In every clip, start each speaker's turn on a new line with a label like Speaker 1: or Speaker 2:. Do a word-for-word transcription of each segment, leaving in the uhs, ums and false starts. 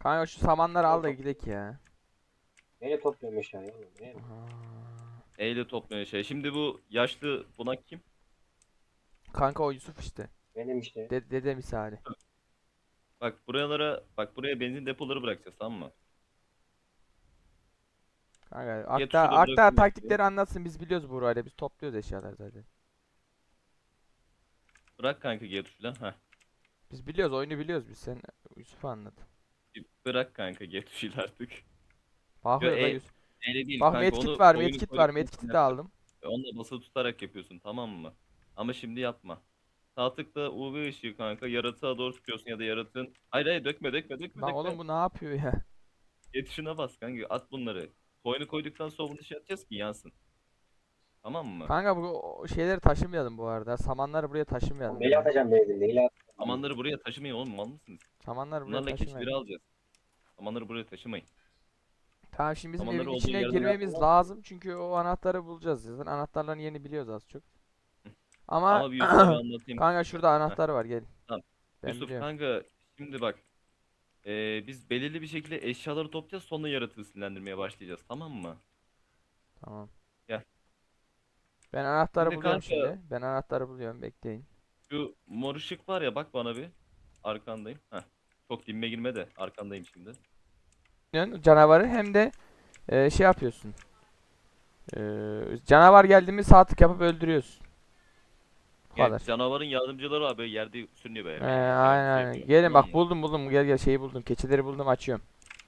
Speaker 1: Kanka şu samanları al da
Speaker 2: Yok.
Speaker 1: gidelim ya.
Speaker 2: Neyle topluyorum eşyayı oğlum? Ne?
Speaker 1: Aha.
Speaker 3: Eyle topluyor şey. Şimdi bu yaşlı bunak kim?
Speaker 1: Kanka o Yusuf işte.
Speaker 2: Benim işte.
Speaker 1: De dede misali.
Speaker 3: Bak buralara bak buraya benzin depoları bırakacağız, tamam mı?
Speaker 1: Kanka
Speaker 3: G
Speaker 1: Akta
Speaker 3: tuşu da
Speaker 1: Akta
Speaker 3: bırakıyorum hepsini.
Speaker 1: taktikleri anlatsın, biz biliyoruz burayla, biz topluyoruz eşyalar zaten.
Speaker 3: Bırak kanka G tuşuyla. Heh.
Speaker 1: Biz biliyoruz, oyunu biliyoruz biz, sen Yusuf'a anlat.
Speaker 3: Bir Bırak kanka G tuşuyla artık. Yo
Speaker 1: Bakıyor da
Speaker 3: e,
Speaker 1: Yusuf.
Speaker 3: Eyle değil
Speaker 1: Bak
Speaker 3: kanka,
Speaker 1: medkit
Speaker 3: onu
Speaker 1: var,
Speaker 3: oyunu
Speaker 1: medkit var,
Speaker 3: koyduktan
Speaker 1: medkiti
Speaker 3: sonra
Speaker 1: de
Speaker 3: yapacaksın.
Speaker 1: aldım.
Speaker 3: Onu da basılı tutarak yapıyorsun, tamam mı? Ama şimdi yapma. Sağ tıkla U V ışığı kanka yaratığa doğru tutuyorsun ya da yaratığın. Hayır hayır, dökme dökme dökme
Speaker 1: Lan oğlum
Speaker 3: dökme.
Speaker 1: bu ne yapıyor ya?
Speaker 3: G tuşuna bas kanka, at bunları. Koyunu koyduktan sonra bunu şey atacağız ki yansın. Tamam mı?
Speaker 1: Kanka bu o şeyleri taşımayalım bu arada. Samanları buraya
Speaker 2: Oğlum
Speaker 1: taşımayalım
Speaker 2: neyle
Speaker 1: ya.
Speaker 2: atacağım benzin? Neyle atacağım
Speaker 3: Samanları
Speaker 2: benzin?
Speaker 3: buraya taşımayın oğlum, mal mısınız?
Speaker 1: Samanları buraya
Speaker 3: Bunlarla keçileri
Speaker 1: taşımayalım.
Speaker 3: alacağız. Samanları buraya taşımayın.
Speaker 1: Tamam, şimdi bizim evin
Speaker 3: Samanları olduğu
Speaker 1: içine
Speaker 3: yerden
Speaker 1: girmemiz
Speaker 2: atacağım.
Speaker 1: lazım çünkü o anahtarı bulacağız. Zaten anahtarların yerini biliyoruz az çok. Ama
Speaker 3: Ama bir Yusuf'a bir anlatayım
Speaker 1: kanka
Speaker 3: kanka.
Speaker 1: şurada
Speaker 3: Heh,
Speaker 1: anahtar var, gel.
Speaker 3: tamam.
Speaker 1: Ben
Speaker 3: Yusuf
Speaker 1: biliyorum.
Speaker 3: kanka, şimdi bak. Ee, biz belirli bir şekilde eşyaları toplayacağız, sonra yaratığı sinirlendirmeye başlayacağız, tamam mı?
Speaker 1: Tamam.
Speaker 3: Gel.
Speaker 1: Ben anahtarı
Speaker 3: Şimdi
Speaker 1: buluyorum
Speaker 3: kanka
Speaker 1: şimdi. Ben anahtarı buluyorum, bekleyin.
Speaker 3: şu mor ışık var ya, bak bana bir. Arkandayım. Heh. Çok dibime girme de arkandayım şimdi.
Speaker 1: Canavarı hem de e, şey yapıyorsun. E, canavar geldi mi sağ tık yapıp öldürüyorsun. Bu
Speaker 3: Yani
Speaker 1: kadar.
Speaker 3: canavarın yardımcıları var, böyle yerde sürünüyor
Speaker 1: Ee,
Speaker 3: böyle. Böyle
Speaker 1: aynen
Speaker 3: şey
Speaker 1: aynen.
Speaker 3: yapıyor.
Speaker 1: Gelin
Speaker 3: Tamam
Speaker 1: bak,
Speaker 3: mı?
Speaker 1: buldum buldum, gel gel, şeyi buldum. Keçileri buldum, açıyorum.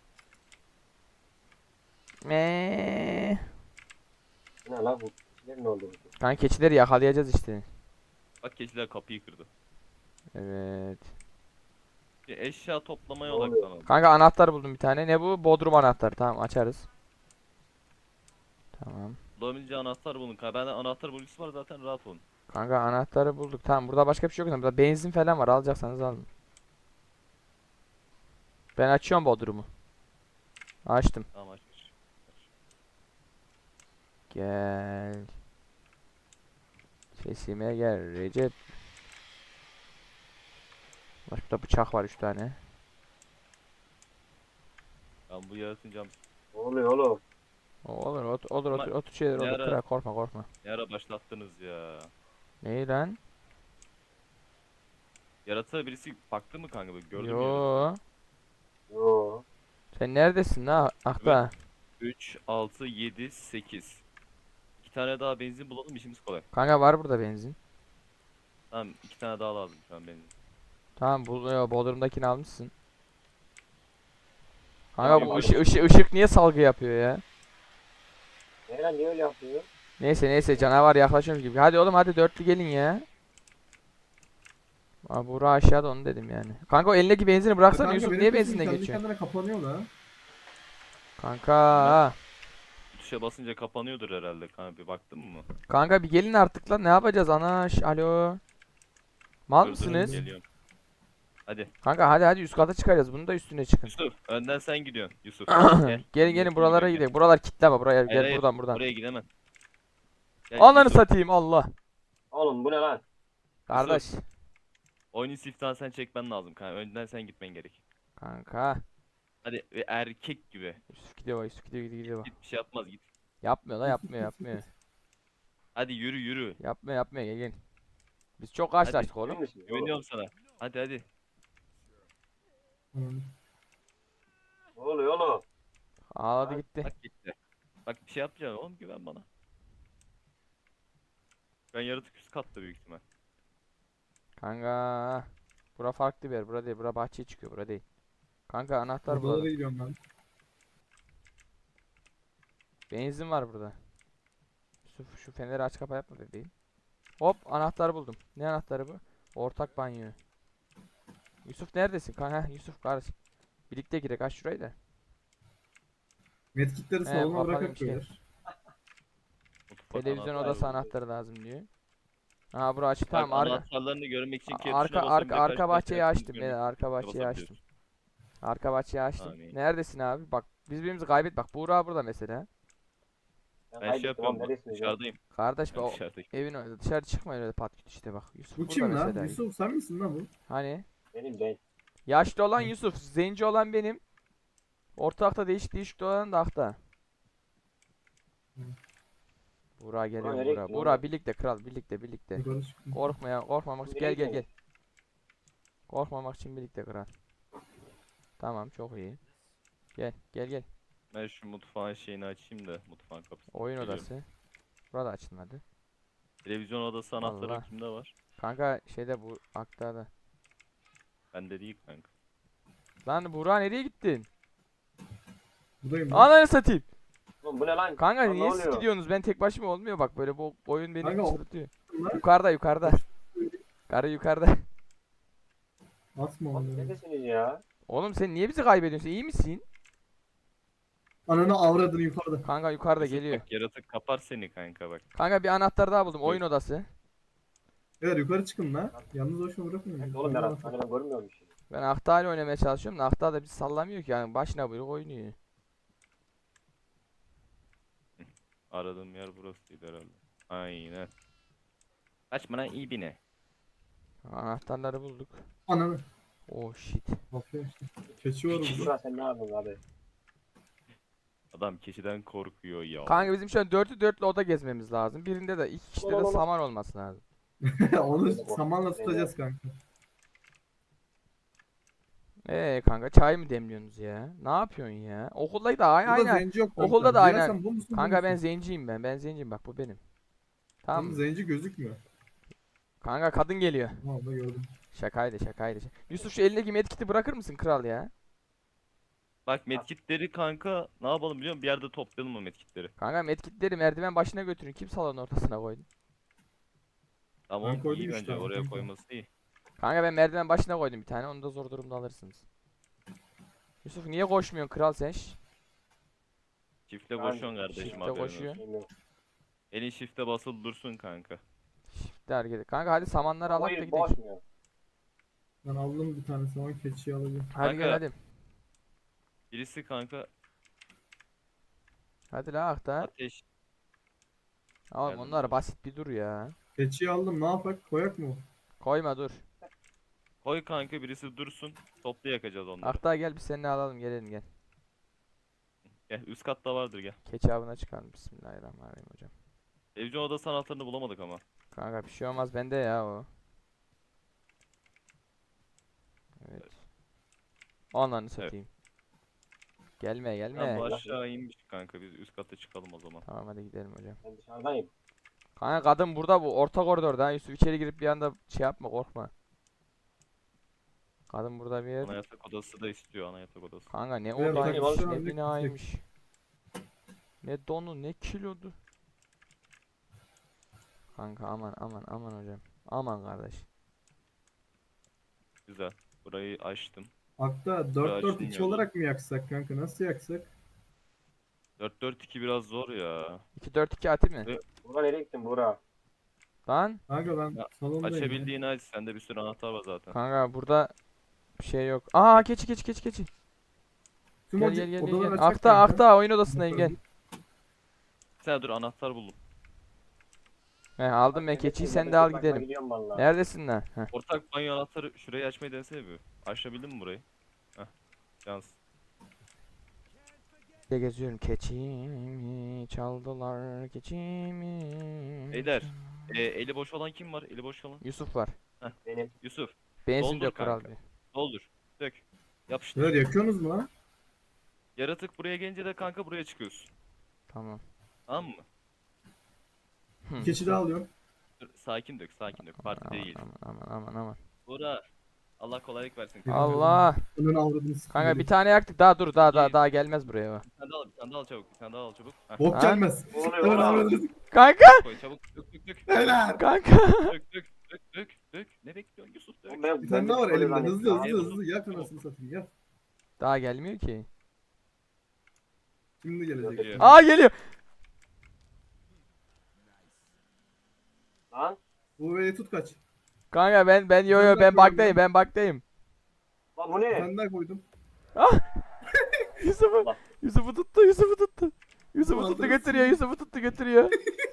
Speaker 1: Eee.
Speaker 2: Bu ne la bu? Ne oldu bu?
Speaker 1: Kanka keçileri yakalayacağız işte.
Speaker 3: Bak keçiler kapıyı kırdı.
Speaker 1: Evet.
Speaker 3: Bir eşya toplamaya
Speaker 2: Ne oluyor?
Speaker 3: odaklanalım.
Speaker 1: Kanka anahtar buldum bir tane. Ne bu? Bodrum anahtarı. Tamam, açarız. Tamam.
Speaker 3: Bulabileceği anahtar bulun. kanka. Bende anahtar bulgisi var zaten, rahat olun.
Speaker 1: Kanka anahtarı bulduk. Tamam, burada başka bir şey yok. Burada benzin falan var. Alacaksanız alın. Ben açıyorum Bodrum'u. Açtım.
Speaker 3: Tamam aç.
Speaker 1: Gel. Sesime gel Recep. Bak burada bıçak var üç tane.
Speaker 3: Ben bu yaratın cam.
Speaker 1: Oh.
Speaker 2: Ne oluyor oğlum?
Speaker 1: O- Olur otur olur
Speaker 3: Ama
Speaker 1: otur otur şeyler
Speaker 3: ne
Speaker 1: olur.
Speaker 3: ara,
Speaker 1: Kırar, korkma korkma.
Speaker 3: ne ara başlattınız ya.
Speaker 1: Neyi lan?
Speaker 3: Yaratığa birisi baktı mı kanka, böyle gördün mü yaratığı?
Speaker 1: Yo.
Speaker 2: Yo.
Speaker 1: Sen neredesin la?
Speaker 3: Evet.
Speaker 1: Akta.
Speaker 3: üç, altı, yedi, sekiz. İki tane daha benzin bulalım, işimiz kolay.
Speaker 1: Kanka var burada benzin.
Speaker 3: Tamam, iki tane daha lazım şu an benzin.
Speaker 1: Tamam, bu yo, Bodrum'dakini almışsın. Kanka
Speaker 2: Tamam,
Speaker 1: bu
Speaker 2: hadi.
Speaker 1: ışık ışık ışık niye salgı yapıyor ya?
Speaker 2: Ne lan niye öyle yapıyor?
Speaker 1: Neyse neyse, canavar yaklaşıyormuş gibi. Hadi oğlum, hadi dörtlü gelin ya. Aa, Buğra aşağıda, onu dedim yani. Kanka o elindeki benzini bıraksana
Speaker 4: Kanka
Speaker 1: Yusuf,
Speaker 4: benim
Speaker 1: niye
Speaker 4: sesim
Speaker 1: benzinle
Speaker 4: kendi
Speaker 1: geçiyorsun?
Speaker 4: kendine kapanıyor la.
Speaker 3: Bilmem.
Speaker 1: Kanka.
Speaker 3: Bu tuşa basınca kapanıyordur herhalde kanka, bir baktın mı?
Speaker 1: Kanka bir gelin artık lan, ne yapacağız anaş? Alo. Mal
Speaker 3: Dur dur,
Speaker 1: mısınız?
Speaker 3: geliyorum. Hadi.
Speaker 1: Kanka hadi hadi, üst kata çıkarız. Bunu da üstüne çıkın.
Speaker 3: Yusuf, önden sen gidiyorsun. Yusuf, gel.
Speaker 1: Gelin
Speaker 3: Önden
Speaker 1: gelin,
Speaker 3: sen
Speaker 1: buralara
Speaker 3: gidiyorsun, gel.
Speaker 1: gidelim. Buralar kilitleme, buraya
Speaker 3: Hayır
Speaker 1: gel,
Speaker 3: hayır,
Speaker 1: buradan buradan.
Speaker 3: oraya gidemem. Gel
Speaker 1: Ananı
Speaker 3: Yusuf,
Speaker 1: satayım, Allah.
Speaker 2: Oğlum bu ne lan?
Speaker 1: Kardeş.
Speaker 3: oyunun siftahını sen çekmen lazım kanka. Önden sen gitmen gerek.
Speaker 1: Kanka.
Speaker 3: Hadi ve erkek gibi.
Speaker 1: Yusuf gidiyor bak, Yusuf gidiyor gidiyor gidiyor bak.
Speaker 3: Git, bir şey yapmaz, git.
Speaker 1: Yapmıyor la, yapmıyor yapmıyor.
Speaker 3: Hadi yürü yürü.
Speaker 1: Yapmıyor yapmıyor, gel gel. Biz çok
Speaker 3: Hadi.
Speaker 1: karşılaştık
Speaker 2: Emin
Speaker 1: oğlum.
Speaker 2: misin? Oğlum.
Speaker 3: Güveniyorum sana. Hadi hadi.
Speaker 4: Hmm.
Speaker 2: Ne oluyor oğlum?
Speaker 1: Ağladı gitti.
Speaker 3: Bak gitti. Bak bir şey yapacağım oğlum, güven bana. Ben yaratık üst katta büyük ihtimal.
Speaker 1: Kanka. Bura farklı bir yer. Bura değil. Bura bahçeye çıkıyor. Bura değil. Kanka anahtar
Speaker 4: Odalara
Speaker 1: bulalım.
Speaker 4: gidiyorum ben.
Speaker 1: Benzin var burada. Yusuf şu feneri aç kapa yapma bebeğim. Hop, anahtarı buldum. Ne anahtarı bu? Ortak banyo. Yusuf neredesin? Kanka Yusuf kardeş. Birlikte girek, aç şurayı da.
Speaker 4: Medkitleri
Speaker 1: He,
Speaker 4: salona
Speaker 1: kapalıymış,
Speaker 4: bırakıp
Speaker 1: gel.
Speaker 4: beyler.
Speaker 3: Mutfak
Speaker 1: Televizyon
Speaker 3: anahtarı
Speaker 1: odası
Speaker 3: buldum.
Speaker 1: anahtarı lazım diyor. Ha bura açık,
Speaker 3: Bak
Speaker 1: tamam, arka
Speaker 3: anahtarlarını görmek için
Speaker 1: a-
Speaker 3: K
Speaker 1: arka
Speaker 3: tuşuna basıyorum,
Speaker 1: arka
Speaker 3: bir de
Speaker 1: arka
Speaker 3: kaç
Speaker 1: bahçeyi
Speaker 3: tane
Speaker 1: açtım
Speaker 3: açtığını
Speaker 1: beyler,
Speaker 3: görmek için
Speaker 1: arka bahçeyi
Speaker 3: basabiliyorsun.
Speaker 1: açtım. Arka bahçeyi açtım.
Speaker 3: Tamam, iyi.
Speaker 1: Neredesin abi? Bak biz birbirimizi kaybet, bak Buğra burada mesela.
Speaker 2: Ben
Speaker 3: Ben şey
Speaker 2: kaybettim oğlum,
Speaker 3: yapıyorum,
Speaker 2: neredesiniz ya?
Speaker 3: dışarıdayım.
Speaker 1: Kardeş be,
Speaker 3: Ben
Speaker 1: o
Speaker 3: dışarıdayım.
Speaker 1: evin önünde, dışarı çıkmayın öyle pat küt işte, bak. Yusuf
Speaker 4: Bu
Speaker 1: burada
Speaker 4: kim lan?
Speaker 1: mesela.
Speaker 4: Yusuf sen misin lan bu?
Speaker 1: Hani?
Speaker 2: Benim ben.
Speaker 1: Yaşlı olan Yusuf, zenci olan benim. Orta akta değişik değişik dolan da akta.
Speaker 4: Hı.
Speaker 1: Buğra geliyor
Speaker 2: nereye
Speaker 1: Buğra.
Speaker 2: gittin
Speaker 1: Buğra
Speaker 2: oğlum?
Speaker 1: birlikte kral birlikte birlikte.
Speaker 4: Yukarı çıktım.
Speaker 1: Korkma ya korkmamak için
Speaker 2: Nereye
Speaker 1: gel gel gel.
Speaker 2: gidiyorsun?
Speaker 1: Korkmamak için birlikte kral. Tamam çok iyi. Gel gel gel.
Speaker 3: Ben şu mutfağın şeyini açayım da mutfağın kapısını.
Speaker 1: Oyun
Speaker 3: Geliyorum.
Speaker 1: odası. Burada açılmadı.
Speaker 3: Televizyon odası anahtarı
Speaker 1: Allah.
Speaker 3: kimde var?
Speaker 1: Kanka şeyde bu akta da.
Speaker 3: Bende değil kanka.
Speaker 1: Lan Buğra nereye gittin?
Speaker 4: Buradayım ben.
Speaker 1: Ananı satayım.
Speaker 2: Oğlum bu ne lan?
Speaker 1: Kanka
Speaker 2: Lan ne
Speaker 1: niye siz
Speaker 2: oluyor?
Speaker 1: gidiyorsunuz? Ben tek başıma olmuyor bak böyle bu oyun beni
Speaker 4: Kanka, o-
Speaker 1: çıldırtıyor.
Speaker 4: Lan,
Speaker 1: Yukarıda yukarıda. Karı yukarıda.
Speaker 4: Atma
Speaker 2: Oğlum
Speaker 4: onu.
Speaker 2: neredesiniz ya?
Speaker 1: Oğlum sen niye bizi kaybediyorsun? İyi misin?
Speaker 4: Ananı avradını yukarıda.
Speaker 1: Kanka yukarıda
Speaker 3: Yusuf
Speaker 1: geliyor.
Speaker 3: Bak, yaratık kapar seni kanka bak.
Speaker 1: Kanka bir anahtar daha buldum.
Speaker 3: Buyur.
Speaker 1: Oyun odası.
Speaker 4: Evet yukarı çıkın lan. Yalnız boşuna bırakmayın.
Speaker 2: Nerede oğlum Berat? Hani ben görmüyorum bir şey.
Speaker 1: Ben Ahta'yla oynamaya çalışıyorum da Ahta da bizi sallamıyor ki yani başına buyruk oynuyor.
Speaker 3: Aradığım yer burasıydı herhalde. Aynen. Kaçma lan iyi bine.
Speaker 1: Anahtarları bulduk.
Speaker 4: Ananı.
Speaker 1: Oh shit.
Speaker 4: Yapıyor işte. Keçi var burada.
Speaker 2: Burak sen ne yapıyorsun abi?
Speaker 3: Adam keçiden korkuyor ya.
Speaker 1: Kanka bizim şu an dörtlü dörtlü oda gezmemiz lazım. Birinde de iki kişide de
Speaker 2: Oğlum.
Speaker 1: saman olması lazım.
Speaker 4: Onu samanla tutacağız kanka.
Speaker 1: Ee kanka çay mı demliyorsunuz ya? Ne yapıyorsun ya? Okulda da aynı
Speaker 4: Burada
Speaker 1: aynı.
Speaker 4: zenci yok kanka.
Speaker 1: Okulda da
Speaker 4: Ya
Speaker 1: aynen.
Speaker 4: sen bu musun, bu
Speaker 1: Kanka ben
Speaker 4: musun?
Speaker 1: zenciyim ben. Ben zenciyim bak bu benim. Tamam
Speaker 4: Oğlum
Speaker 1: mı?
Speaker 4: zenci gözükmüyor.
Speaker 1: Kanka kadın geliyor.
Speaker 4: Tamam da gördüm.
Speaker 1: Şakaydı şakaydı. Yusuf şu elindeki medkit'i bırakır mısın kral ya?
Speaker 3: Bak medkitleri kanka ne yapalım biliyor musun? Bir yerde toplayalım o medkitleri.
Speaker 1: Kanka medkitleri merdiven başına götürün. Kim salonun ortasına koydu?
Speaker 3: Tamam
Speaker 4: koydum
Speaker 3: iyi
Speaker 4: işte
Speaker 3: bence
Speaker 4: abi,
Speaker 3: oraya
Speaker 4: kanka.
Speaker 3: koyması iyi.
Speaker 1: Kanka ben merdiven başına koydum bir tane. Onu da zor durumda alırsınız. Yusuf niye koşmuyorsun kral sen? Şş,
Speaker 3: Çifte
Speaker 2: Ben
Speaker 3: koşuyorsun kardeşim
Speaker 1: çifte
Speaker 3: haberin
Speaker 1: koşuyor.
Speaker 3: olsun.
Speaker 2: Bilmiyorum.
Speaker 3: Elin çifte basılı dursun kanka.
Speaker 1: Shift'te hareket et. Kanka hadi samanları alak da
Speaker 2: Hayır
Speaker 1: gidelim.
Speaker 2: boş mu?
Speaker 4: Ben aldım bir tane saman keçiyi alacağım.
Speaker 1: Hadi gel
Speaker 3: Kanka.
Speaker 1: hadi.
Speaker 3: Birisi kanka
Speaker 1: Hadi la akta.
Speaker 3: ateş.
Speaker 1: Oğlum
Speaker 3: Geldim
Speaker 1: onlar
Speaker 3: dur.
Speaker 1: basit bir dur ya.
Speaker 4: Keçiyi aldım ne yapak koyak mı?
Speaker 1: Koyma dur.
Speaker 3: Koy kanka birisi dursun. Toplu yakacağız onları.
Speaker 1: Akta gel biz seninle alalım gelelim gel.
Speaker 3: Gel üst katta vardır gel.
Speaker 1: Keçi avına çıkalım. Bismillahirrahmanirrahim hocam.
Speaker 3: Televizyon odası anahtarını bulamadık ama.
Speaker 1: Kanka bir şey olmaz bende ya o. Evet. Ananı satayım. Gelme gelme.
Speaker 3: Tamam bu
Speaker 2: Gel.
Speaker 3: aşağı inmiş kanka biz üst kata çıkalım o zaman.
Speaker 1: Tamam hadi gidelim hocam.
Speaker 2: Ben dışarıdayım.
Speaker 1: Kanka kadın burada bu orta koridorda. Ha, Yusuf içeri girip bir anda şey yapma korkma. Kadın burada bir yer.
Speaker 3: Ana yatak odası da istiyor ana yatak odası.
Speaker 1: Kanka ne
Speaker 4: Buraya
Speaker 1: odaymış
Speaker 2: bırakıp
Speaker 1: ne
Speaker 4: şöyle
Speaker 1: binaymış. Ne donu ne kilodu. Kanka aman aman aman hocam. Aman kardeş.
Speaker 3: Güzel. Burayı açtım.
Speaker 4: Hatta dört dört iki
Speaker 3: açılmıyor.
Speaker 4: olarak mı yaksak kanka? Nasıl yaksak?
Speaker 3: dört dört iki biraz zor ya.
Speaker 1: iki dört iki atayım mı?
Speaker 3: Evet.
Speaker 2: Burak nereye gittin Burak?
Speaker 1: Lan
Speaker 4: Kanka ben
Speaker 3: Ya,
Speaker 4: salondayım.
Speaker 3: Açabildiğini aç. Sende bir sürü anahtar var zaten.
Speaker 1: kanka burada bir şey yok. Aa keçi keçi keçi keçi.
Speaker 4: Tüm
Speaker 1: Gel
Speaker 4: oda-
Speaker 1: gel gel gel.
Speaker 4: odaları
Speaker 1: gel.
Speaker 4: açak
Speaker 1: Akta
Speaker 4: kanka.
Speaker 1: akta oyun odasındayım gel.
Speaker 3: Sen dur anahtar buldum.
Speaker 1: He aldım ben keçiyi sen de al gidelim.
Speaker 2: Gidiyorum valla.
Speaker 1: Neredesin lan? Heh.
Speaker 3: Ortak banyo anahtarı şurayı açmayı denesene bir. Açabildin mi burayı? Heh. Yalnız.
Speaker 1: De geziyorum keçimi çaldılar keçimi.
Speaker 3: Beyler. E, eli boş olan kim var? Eli boş olan.
Speaker 1: Yusuf var.
Speaker 2: Benim.
Speaker 3: Yusuf.
Speaker 1: Benzin
Speaker 3: Doldur
Speaker 1: dök kral
Speaker 3: kanka.
Speaker 1: bir.
Speaker 3: Doldur. Dök. Yapıştır.
Speaker 4: Beyler yakıyorsunuz mu lan?
Speaker 3: Yaratık buraya gelince de kanka buraya çıkıyorsun.
Speaker 1: Tamam.
Speaker 3: Tamam mı?
Speaker 1: Hı.
Speaker 4: Bir keçi daha alıyorum.
Speaker 3: Dur, sakin dök, sakin dök. Parti
Speaker 1: Aman,
Speaker 3: değil.
Speaker 1: Aman aman aman aman.
Speaker 3: Bura. Allah kolaylık versin.
Speaker 4: Yürü.
Speaker 1: Allah.
Speaker 4: Önünü avradını sikeyim.
Speaker 1: Kanka bir tane yaktık daha dur daha daha
Speaker 3: İyi.
Speaker 1: daha gelmez buraya o.
Speaker 3: Bir tane daha al, bir tane daha al çabuk. Bir tane daha al çabuk. Heh,
Speaker 4: Bok
Speaker 1: Ha?
Speaker 4: gelmez.
Speaker 2: Ne oluyor
Speaker 4: Önünü
Speaker 2: oğlum?
Speaker 4: avradını
Speaker 1: Kanka
Speaker 3: koy çabuk. Dök dök dök.
Speaker 4: Beyler.
Speaker 1: kanka.
Speaker 3: Dök dök dök dök dök. Ne bekliyorsun Yusuf dök.
Speaker 2: Oğlum ben-
Speaker 4: Bir
Speaker 2: ben
Speaker 4: tane daha var
Speaker 2: bir
Speaker 4: elimde.
Speaker 2: lanet
Speaker 4: Hızlı
Speaker 2: ya.
Speaker 4: hızlı
Speaker 3: Eyvallah.
Speaker 4: hızlı. Yak anasını satayım yak.
Speaker 1: Daha gelmiyor ki.
Speaker 4: Şimdi gelecek.
Speaker 3: Geliyor.
Speaker 1: Aa geliyor.
Speaker 2: Lan.
Speaker 4: Bu V'yi tut kaç.
Speaker 1: Kanka ben ben yo yo
Speaker 4: Ben de
Speaker 1: ben
Speaker 4: koyuyorum
Speaker 1: baktayım ben baktayım.
Speaker 2: Lan bu
Speaker 4: Bir
Speaker 2: ne?
Speaker 4: tane daha koydum.
Speaker 1: Yusuf'u
Speaker 2: Allah.
Speaker 1: Yusuf'u tuttu Yusuf'u tuttu. Yusuf'u
Speaker 4: Ulan
Speaker 1: tuttu
Speaker 4: dur.
Speaker 1: götürüyor Yusuf'u tuttu götürüyor.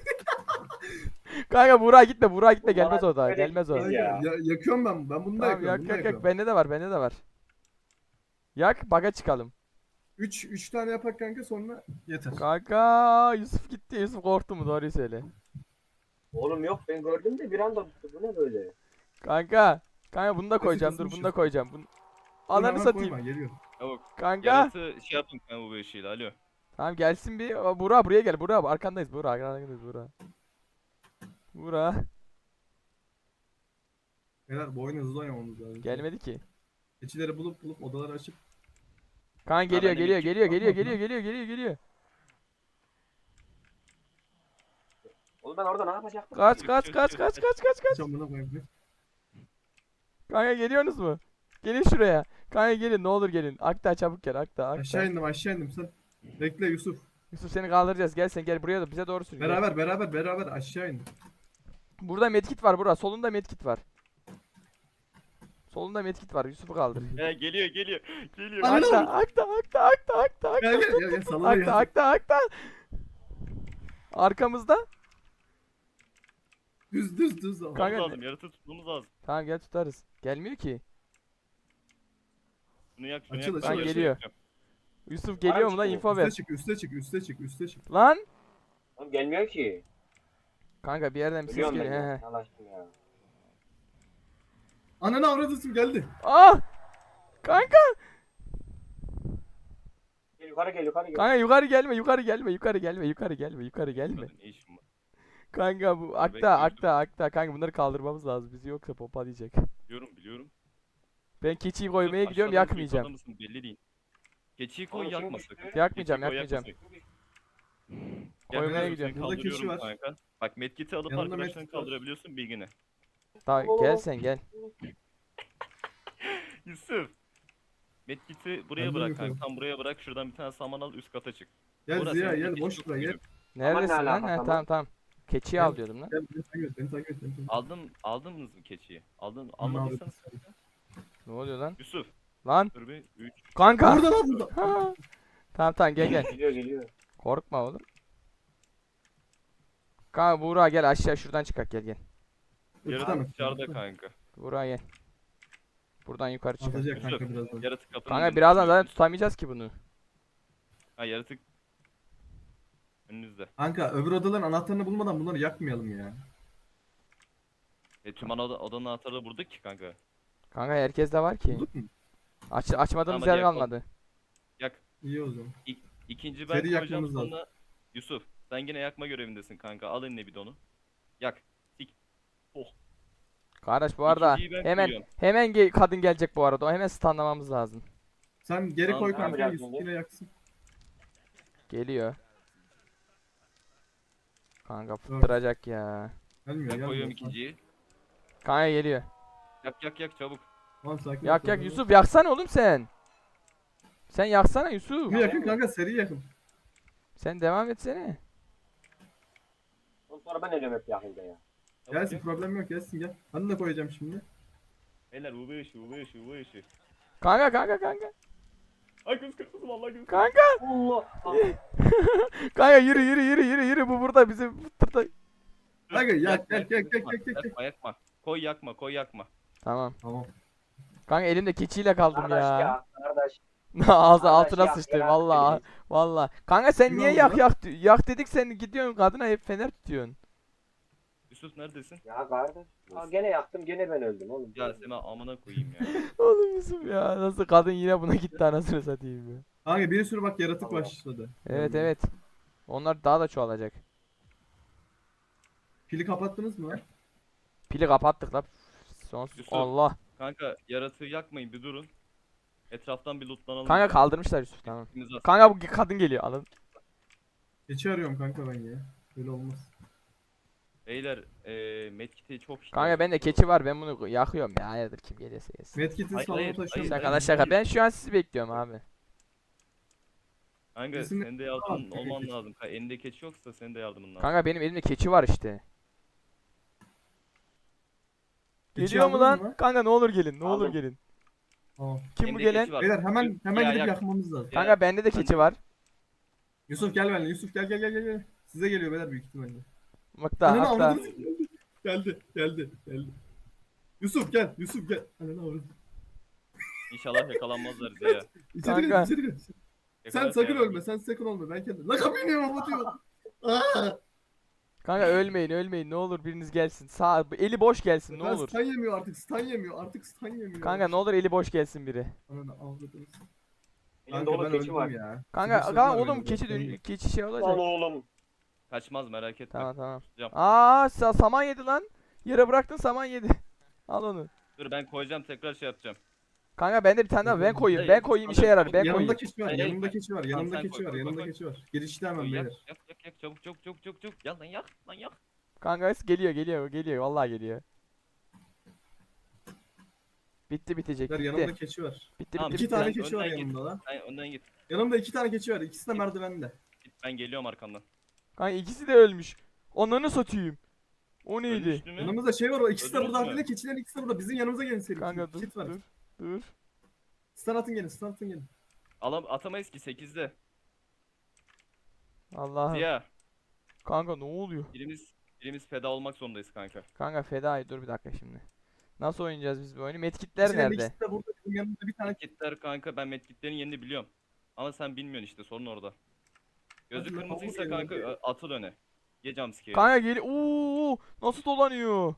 Speaker 1: Kanka Burak gitme Burak gitme
Speaker 2: Ulan
Speaker 1: gelmez o da
Speaker 2: böyle
Speaker 1: gelmez o.
Speaker 2: gitmez
Speaker 4: Kanka,
Speaker 2: ya.
Speaker 4: ya, yakıyorum ben. Ben bunu da
Speaker 1: Tamam
Speaker 4: yakıyorum.
Speaker 1: yak
Speaker 4: bunu da
Speaker 1: yak yak
Speaker 4: yakıyorum.
Speaker 1: bende de var bende de var. Yak baga çıkalım.
Speaker 4: üç üç tane yapak kanka sonra yeter.
Speaker 1: Kanka Yusuf gitti. Yusuf korktu mu? Doğruyu söyle.
Speaker 2: Oğlum yok ben gördüm de bir anda bu ne böyle?
Speaker 1: Kanka. Kanka bunu da koyacağım. Dur bunu
Speaker 4: kısmışız.
Speaker 1: da koyacağım. Bunu...
Speaker 4: Dur,
Speaker 1: Ananı
Speaker 4: hemen
Speaker 1: satayım.
Speaker 4: koyma, geliyor.
Speaker 3: Çabuk.
Speaker 1: Kanka.
Speaker 3: Yaratı şey yapın kanka UV ışığıyla. Alo.
Speaker 1: Tamam gelsin bir. Aa, Buğra buraya gel. Buğra arkandayız. Buğra arkandayız Buğra. Buğra.
Speaker 4: Beyler bu oyunu hızlı oynamamız lazım.
Speaker 1: Gelmedi ki.
Speaker 4: Keçileri bulup bulup odaları açıp.
Speaker 1: Kanka geliyor
Speaker 3: bende
Speaker 1: geliyor
Speaker 3: bir
Speaker 1: geliyor
Speaker 4: kit
Speaker 1: geliyor
Speaker 4: var mı?
Speaker 1: geliyor geliyor geliyor geliyor.
Speaker 2: Oğlum ben orada ne yapacaktım?
Speaker 1: Kaç
Speaker 3: Çık,
Speaker 1: kaç
Speaker 3: çık,
Speaker 1: kaç
Speaker 3: çık,
Speaker 1: kaç
Speaker 3: çık.
Speaker 1: kaç kaç kaç.
Speaker 4: Hiç amına koyayım.
Speaker 1: Kanka geliyorsunuz mu? Gelin şuraya. Kanka gelin ne olur gelin. Akta çabuk gel Akta
Speaker 4: Aşağı
Speaker 1: Akta.
Speaker 4: indim aşağı indim sen. Bekle Yusuf.
Speaker 1: Yusuf seni kaldıracağız. Gel sen gel buraya da bize doğru sür. Gel.
Speaker 4: Beraber beraber beraber aşağı indim.
Speaker 1: Burada medkit var Buğra. Solunda medkit var. Solunda medkit var. Yusuf'u kaldır.
Speaker 3: He geliyor geliyor. Geliyor.
Speaker 4: Ananı
Speaker 1: Akta Akta Akta Akta Akta Akta.
Speaker 4: Gel gel gel gel salona
Speaker 1: Akta
Speaker 4: gel.
Speaker 1: Akta Akta. Arkamızda.
Speaker 4: Düz düz düz. ama.
Speaker 1: Kanka-
Speaker 3: Tutmamız lazım. Yaratı tutmamız lazım.
Speaker 1: Tamam gel tutarız. Gelmiyor ki.
Speaker 3: Şunu yak şunu
Speaker 4: Açıl,
Speaker 3: yak.
Speaker 4: açıl,
Speaker 3: Ben
Speaker 1: açıl.
Speaker 3: yaratı
Speaker 1: Geliyor.
Speaker 3: yakacağım.
Speaker 1: Yusuf geliyor mu lan
Speaker 2: çıkıyor.
Speaker 1: info ver.
Speaker 4: Üste çık üste çık üste çık üste çık.
Speaker 1: Lan.
Speaker 2: Oğlum gelmiyor ki.
Speaker 1: Kanka bir yerden bir ses
Speaker 2: Biliyorum ben
Speaker 1: geliyor. He
Speaker 2: ya.
Speaker 1: he.
Speaker 2: Yalaştım ya.
Speaker 4: Ananı avradısın geldi.
Speaker 1: Ah! Kanka!
Speaker 2: Gel yukarı gel yukarı gel.
Speaker 1: Kanka yukarı gelme, yukarı gelme, yukarı gelme, yukarı gelme, yukarı gelme.
Speaker 3: Burada ne işim var?
Speaker 1: Kanka bu akta,
Speaker 3: bekliyorum.
Speaker 1: akta, akta. Kanka bunları kaldırmamız lazım. Bizi yoksa pompalayacak.
Speaker 3: Biliyorum biliyorum.
Speaker 1: Ben keçiyi koymaya
Speaker 3: Dur,
Speaker 1: gidiyorum,
Speaker 3: aşağıda mısın,
Speaker 1: yakmayacağım.
Speaker 3: yukarıda mısın belli değil. Keçiyi koy
Speaker 2: Oğlum kim
Speaker 3: yakma
Speaker 2: düştü?
Speaker 3: sakın.
Speaker 1: Yakmayacağım,
Speaker 3: Keçiyi koy,
Speaker 1: yakmayacağım.
Speaker 3: yakma sakın.
Speaker 1: Koymaya
Speaker 3: Gel,
Speaker 1: gidiyorum.
Speaker 3: seni
Speaker 4: Burada keçi
Speaker 3: kaldırıyorum
Speaker 4: var.
Speaker 3: kanka. Bak medkit'i alıp
Speaker 4: Yanında
Speaker 3: arkadaşlarını
Speaker 4: medkit var.
Speaker 3: kaldırabiliyorsun bilgine.
Speaker 1: Daha gel sen gel.
Speaker 3: Yusuf. Medkit'i buraya
Speaker 4: Ben de
Speaker 3: bırak
Speaker 4: yukarı.
Speaker 3: kanka. Tam buraya bırak. Şuradan bir tane saman al üst kata çık.
Speaker 4: Gel
Speaker 3: Burası
Speaker 4: Ziya
Speaker 3: senin
Speaker 4: gel
Speaker 3: keçi
Speaker 4: boş
Speaker 3: çok
Speaker 4: ver gel.
Speaker 3: büyük.
Speaker 1: Neredesin
Speaker 2: ne
Speaker 1: lan?
Speaker 2: alaka,
Speaker 1: He
Speaker 2: tamam.
Speaker 1: tamam tamam. Keçiyi
Speaker 4: Gel.
Speaker 1: al diyordum lan.
Speaker 4: Gel beni takip et beni takip et. Beni takip et.
Speaker 3: Aldın, aldınız mı keçiyi? Aldın,
Speaker 4: Aman
Speaker 3: almadıysanız.
Speaker 1: Ne oluyor lan?
Speaker 3: Yusuf.
Speaker 1: Lan
Speaker 3: Dur bir. üç.
Speaker 1: kanka.
Speaker 4: Burada lan burada.
Speaker 1: Ha. Tamam tamam gel gel.
Speaker 2: Geliyor geliyor.
Speaker 1: Korkma oğlum. Kanka Buğra gel aşağı şuradan çıkak gel gel.
Speaker 4: İki tane.
Speaker 3: Yaratık dışarıda kanka.
Speaker 1: Buğra gel. Buradan yukarı çıkak.
Speaker 4: Atacak kanka birazdan.
Speaker 3: Yaratık kapının
Speaker 1: Kanka
Speaker 3: önünde
Speaker 1: birazdan
Speaker 3: duruyor.
Speaker 1: zaten tutamayacağız ki bunu.
Speaker 3: Ha yaratık. Önünüzde.
Speaker 4: Kanka öbür odaların anahtarını bulmadan bunları yakmayalım ya.
Speaker 3: E tüm ana oda, odanın anahtarı burada ki kanka.
Speaker 1: Kanka herkes de var ki.
Speaker 4: Bulduk mu?
Speaker 1: Aç, açmadığımız
Speaker 3: Tamam, hadi
Speaker 1: yer
Speaker 3: yakalım.
Speaker 1: kalmadı.
Speaker 3: Yak.
Speaker 4: İyi o zaman.
Speaker 3: İk, ikinci ben
Speaker 4: Seri
Speaker 3: koyacağım
Speaker 4: yakmamız lazım.
Speaker 3: sonra. Yusuf sen yine yakma görevindesin kanka. Al eline bidonu. Yak. Sik.
Speaker 1: Kardeş bu arada
Speaker 3: İkinciyi ben
Speaker 1: hemen
Speaker 3: koyuyorum.
Speaker 1: hemen ge- kadın gelecek bu arada. O hemen stunlamamız lazım.
Speaker 4: Sen geri
Speaker 3: Tamam,
Speaker 4: koy
Speaker 2: ne
Speaker 4: kanka
Speaker 2: yapacağız
Speaker 4: Yusuf
Speaker 2: şimdi?
Speaker 4: yine yaksın.
Speaker 1: Geliyor. Kanka fıttıracak ya.
Speaker 4: Gelmiyor
Speaker 3: Ben
Speaker 4: gelmiyor.
Speaker 3: koyuyorum ikinciyi.
Speaker 1: Kanka geliyor.
Speaker 3: Yak yak yak çabuk.
Speaker 4: Tamam sakin.
Speaker 1: Yak
Speaker 4: ol,
Speaker 1: yak
Speaker 4: tamam.
Speaker 1: Yusuf yaksana oğlum sen. Sen yaksana Yusuf.
Speaker 4: Bir yakın kanka seri yakın.
Speaker 1: Sen devam etsene.
Speaker 2: Oğlum sonra ben ölüyorum hep yakınca ya.
Speaker 3: Çabuk
Speaker 4: Gelsin
Speaker 3: yak.
Speaker 4: problem yok gelsin gel. Ben de koyacağım şimdi.
Speaker 3: Beyler U V ışığı U V ışığı U V ışığı.
Speaker 1: Kanka kanka kanka.
Speaker 3: Ay göz kırpızı vallahi göz
Speaker 1: Kanka.
Speaker 2: Allah.
Speaker 1: Kanka yürü yürü yürü yürü yürü bu burada bizi fıttırda.
Speaker 4: Kanka yak
Speaker 3: Yakma,
Speaker 4: yak yak yak
Speaker 3: yakma,
Speaker 4: yak yak. yak.
Speaker 3: Yakma yakma. Koy yakma koy yakma.
Speaker 1: Tamam.
Speaker 4: Tamam.
Speaker 1: Kanka elimde keçiyle kaldım
Speaker 2: Kardeş
Speaker 1: ya.
Speaker 2: ya. Kardeş.
Speaker 1: Ağzı
Speaker 2: Kardeş
Speaker 1: altına
Speaker 2: yak,
Speaker 1: sıçtı
Speaker 2: yak,
Speaker 1: vallahi.
Speaker 2: yak.
Speaker 1: Vallahi. Kanka sen
Speaker 4: Kim
Speaker 1: niye
Speaker 4: oldu
Speaker 1: yak
Speaker 4: lan?
Speaker 1: yak di- yak dedik sen gidiyorsun kadına hep fener tutuyorsun.
Speaker 3: Yusuf neredesin?
Speaker 2: Ya kardeş. Aa, gene yaktım gene ben öldüm oğlum.
Speaker 3: Ya Sema amına koyayım ya.
Speaker 1: Oğlum Yusuf ya nasıl kadın yine buna gitti anasını satayım ya.
Speaker 4: Kanka bir sürü bak yaratık
Speaker 2: Allah.
Speaker 4: başladı.
Speaker 1: Evet evet. Onlar daha da çoğalacak.
Speaker 4: Pili kapattınız mı lan?
Speaker 1: Pili kapattık la. Sonsuz.
Speaker 3: Yusuf.
Speaker 1: Allah.
Speaker 3: Kanka yaratığı yakmayın bir durun. Etraftan bir lootlanalım.
Speaker 1: Kanka kaldırmışlar Yusuf tamam.
Speaker 3: İkimiz az-
Speaker 1: Kanka bu kadın geliyor alın.
Speaker 4: Keçi arıyorum kanka ben ya. Böyle olmaz.
Speaker 3: Beyler eee medkit'e çok ihtiyaç
Speaker 1: Kanka bende
Speaker 3: var.
Speaker 1: keçi var ben bunu yakıyorum ya hayırdır kim gelirse gelsin.
Speaker 4: Medkit'in
Speaker 3: Hayır,
Speaker 4: salonu
Speaker 3: hayır,
Speaker 4: taşıyorum.
Speaker 3: hayır.
Speaker 1: Şaka la şaka ben şu an sizi bekliyorum abi.
Speaker 3: Kanka
Speaker 4: Kesinlikle-
Speaker 3: senin de yardım
Speaker 4: Tamam,
Speaker 3: olman
Speaker 4: keçi.
Speaker 3: lazım. Kanka, elinde keçi yoksa senin de yardımın lazım.
Speaker 1: Kanka benim elimde keçi var işte.
Speaker 4: Keçi
Speaker 1: Geliyor mu
Speaker 4: aldınız
Speaker 1: lan?
Speaker 4: mı?
Speaker 1: Kanka ne olur gelin ne olur
Speaker 2: Aldım.
Speaker 1: gelin.
Speaker 4: Tamam.
Speaker 1: Kim bu
Speaker 3: Elinde
Speaker 1: gelen?
Speaker 3: keçi var.
Speaker 4: Beyler hemen hemen
Speaker 3: Ya,
Speaker 4: gidip
Speaker 3: yak.
Speaker 4: yakmamız lazım.
Speaker 3: Ya.
Speaker 1: Kanka bende de keçi var.
Speaker 4: Yusuf gel benimle. Yusuf gel gel gel gel. gel. Size geliyor beyler büyük ihtimalle.
Speaker 1: Mıkta
Speaker 4: Ananı
Speaker 1: hatta.
Speaker 4: avradını geldi. Geldi geldi geldi. Yusuf gel Yusuf gel. Ananı avradını.
Speaker 3: İnşallah yakalanmazlar bize ya.
Speaker 4: İçeri
Speaker 1: Kanka.
Speaker 4: gel içeri gel. Sen
Speaker 3: kadar
Speaker 4: sakın
Speaker 3: kıyamam.
Speaker 4: ölme. Sen sakın ölme. Ben kendim. La kapıyı niye kapatıyorsun? Aa!
Speaker 1: Kanka ölmeyin ölmeyin ne olur biriniz gelsin. Sağ eli boş gelsin ne
Speaker 4: Ben
Speaker 1: olur.
Speaker 4: stun yemiyor artık. Stun yemiyor. Artık stun yemiyor.
Speaker 1: Kanka ne olur eli boş gelsin biri.
Speaker 4: Ananı avradınız.
Speaker 2: Elimde
Speaker 4: Kanka
Speaker 2: oğlum
Speaker 4: ben
Speaker 2: keçi
Speaker 4: öldüm
Speaker 2: var.
Speaker 4: ya.
Speaker 1: Kanka,
Speaker 4: Sıkıştırdılar
Speaker 1: kanka
Speaker 4: beni
Speaker 1: oğlum
Speaker 4: burada,
Speaker 1: keçi
Speaker 4: stun
Speaker 1: dön
Speaker 4: yok.
Speaker 1: keçi şey
Speaker 2: Lan
Speaker 1: olacak.
Speaker 2: oğlum.
Speaker 3: Kaçmaz merak etme.
Speaker 1: Tamam tamam.
Speaker 3: Tutacağım.
Speaker 1: Aa sa- saman yedi lan. Yere bıraktın saman yedi. Al onu.
Speaker 3: Dur ben koyacağım tekrar şey yapacağım.
Speaker 1: Kanka bende bir tane daha ben koyayım.
Speaker 3: Hayır,
Speaker 1: Ben koyayım işe
Speaker 3: alın,
Speaker 1: yarar. Ben
Speaker 3: alın.
Speaker 4: Yanımda
Speaker 1: koyayım.
Speaker 4: keçi var.
Speaker 3: Hayır, hayır,
Speaker 4: Yanımda
Speaker 3: hayır.
Speaker 4: keçi var.
Speaker 3: Tamam,
Speaker 4: Yanımda
Speaker 3: sen
Speaker 4: keçi
Speaker 3: koy,
Speaker 4: var.
Speaker 3: koy,
Speaker 4: Yanımda
Speaker 3: koy,
Speaker 4: keçi var. Girişte hemen
Speaker 3: Koy, yak,
Speaker 4: beyler.
Speaker 3: yak yak yak çabuk çabuk çabuk çabuk çabuk çabuk. Yan lan yak lan yak.
Speaker 1: Kanka geliyor geliyor geliyor. Vallahi geliyor. Bitti bitecek.
Speaker 4: Beyler,
Speaker 1: Bitti.
Speaker 4: yanımda keçi var.
Speaker 1: Bitti
Speaker 3: Tamam,
Speaker 1: bitti
Speaker 4: İki
Speaker 1: bitti.
Speaker 4: tane
Speaker 3: Sen
Speaker 4: keçi var
Speaker 3: önden git.
Speaker 4: yanımda lan.
Speaker 3: Sen önden git.
Speaker 4: Yanımda iki tane keçi var. İkisi de merdivende.
Speaker 3: Git ben geliyorum arkandan.
Speaker 1: Kanka ikisi de ölmüş. Onları satayım. O neydi?
Speaker 3: Ölmüştü mü?
Speaker 4: Yanımızda şey var. O ikisi de
Speaker 3: Öldünüz
Speaker 4: burada.
Speaker 3: mü?
Speaker 4: Harbiden keçilerin ikisi de burada. Bizim yanımıza gelin seri.
Speaker 1: Kanka dur
Speaker 4: Kit var.
Speaker 1: dur. Dur.
Speaker 4: Stun atın gelin. Stun atın gelin.
Speaker 3: Alam atamayız ki sekizde.
Speaker 1: Allah'ım.
Speaker 3: Ziya.
Speaker 1: Kanka ne oluyor?
Speaker 3: Birimiz birimiz feda olmak zorundayız kanka.
Speaker 1: Kanka fedai dur bir dakika şimdi. Nasıl oynayacağız biz bu oyunu? Medkitler
Speaker 4: Keçilerin
Speaker 1: nerede?
Speaker 4: ikisi de burada. Bizim yanımızda bir tane
Speaker 3: Medkitler kanka ben medkitlerin yerini biliyorum. Ama sen bilmiyorsun işte sorun orada. Gözü
Speaker 4: Hadi lan,
Speaker 3: kırmızıysa
Speaker 4: hamur
Speaker 3: kanka
Speaker 4: yiyelim.
Speaker 3: ö- atıl öne. Ye jumpscare'i.
Speaker 1: Kanka gel. Oo nasıl dolanıyor?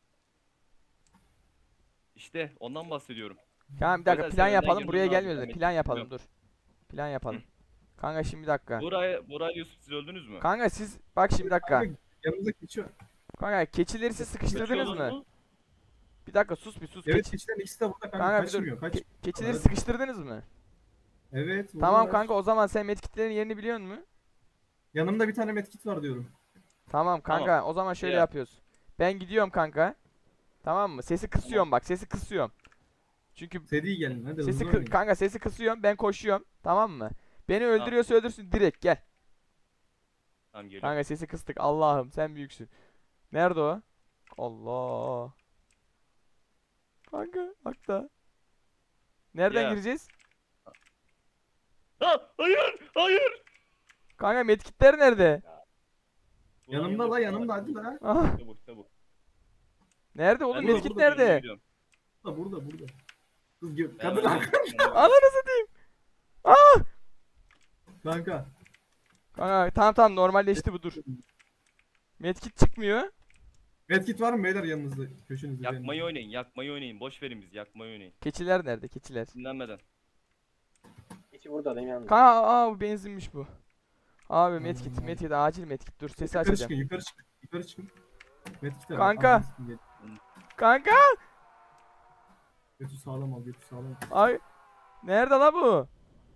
Speaker 3: İşte ondan bahsediyorum.
Speaker 1: Kanka bir dakika
Speaker 3: Özel
Speaker 1: plan
Speaker 3: sen önden
Speaker 1: yapalım.
Speaker 3: girmen
Speaker 1: Buraya
Speaker 3: lazım,
Speaker 1: gelmiyoruz.
Speaker 3: ben
Speaker 1: Plan
Speaker 3: medkit
Speaker 1: yapalım dur.
Speaker 3: biliyorum.
Speaker 1: Plan yapalım. Kanka şimdi bir dakika.
Speaker 3: Buray, Buray Yusuf siz öldünüz mü?
Speaker 1: Kanka siz bak şimdi bir dakika.
Speaker 4: Kanka, yanımızda keçi var.
Speaker 1: Kanka keçileri siz sıkıştırdınız
Speaker 3: Kaçıyorlar
Speaker 1: mı? Bir dakika sus bir sus.
Speaker 4: Evet
Speaker 1: Keçi-
Speaker 4: keçilerin ikisi de burada kanka.
Speaker 1: Kanka bir dur.
Speaker 4: Kaçmıyor. Kaç.
Speaker 1: Ke- keçileri
Speaker 4: Evet.
Speaker 1: sıkıştırdınız mı?
Speaker 4: Evet.
Speaker 1: Tamam
Speaker 4: buradalar.
Speaker 1: kanka o zaman sen medkitlerin yerini biliyor musun?
Speaker 4: Yanımda bir tane medkit var diyorum.
Speaker 1: Tamam kanka o zaman şöyle
Speaker 3: Ya.
Speaker 1: yapıyoruz. Ben gidiyorum kanka. Tamam mı? Sesi kısıyorum bak sesi kısıyorum. Çünkü
Speaker 4: Seri gelin hadi
Speaker 1: sesi
Speaker 4: hızlı
Speaker 1: kı-
Speaker 4: oynayın.
Speaker 1: kanka sesi kısıyorum ben koşuyorum. Tamam mı? Beni öldürüyorsa öldürsün direkt gel.
Speaker 3: Tamam geliyorum.
Speaker 1: Kanka sesi kıstık Allah'ım sen büyüksün. Nerede o? Allah. Kanka hakta. Nereden
Speaker 3: Ya.
Speaker 1: gireceğiz?
Speaker 3: Ha, hayır hayır.
Speaker 1: Kanka medkitler nerede?
Speaker 3: Ulan
Speaker 4: Yanımda
Speaker 3: yanında
Speaker 4: la
Speaker 3: bir
Speaker 4: yanımda
Speaker 3: var.
Speaker 4: hadi la.
Speaker 1: Ah,
Speaker 3: Çabuk çabuk.
Speaker 1: nerede oğlum
Speaker 3: Ben de
Speaker 1: medkit
Speaker 3: burada
Speaker 1: nerede?
Speaker 3: gidiyorum.
Speaker 4: Burada burada burada. Kız gö-
Speaker 3: Ben
Speaker 4: kadın
Speaker 3: öldüm.
Speaker 4: arka-
Speaker 1: Ananı satayım. Ah!
Speaker 4: Kanka.
Speaker 1: Kanka tamam tamam normalleşti bu dur. Medkit çıkmıyor.
Speaker 4: Medkit var mı beyler yanınızda? Köşenizde.
Speaker 3: Yakmayı oynayın yakmayı oynayın. Boş verin biz yakmayı oynayın.
Speaker 1: Keçiler nerede? Keçiler.
Speaker 3: Dinlenmeden.
Speaker 2: Keçi burada benim yanımda.
Speaker 1: Kanka aa bu benzinmiş bu. Abi medkit
Speaker 4: Hmm.
Speaker 1: medkit acil medkit dur sesi
Speaker 4: Yukarı
Speaker 1: açacağım.
Speaker 4: çıkın yukarı çıkın. Yukarı çıkın. Medkit var.
Speaker 1: Kanka.
Speaker 4: Ananı sikeyim, gel.
Speaker 1: Kanka
Speaker 4: Götü sağlam al götü sağlam al.
Speaker 1: ay nerede la bu?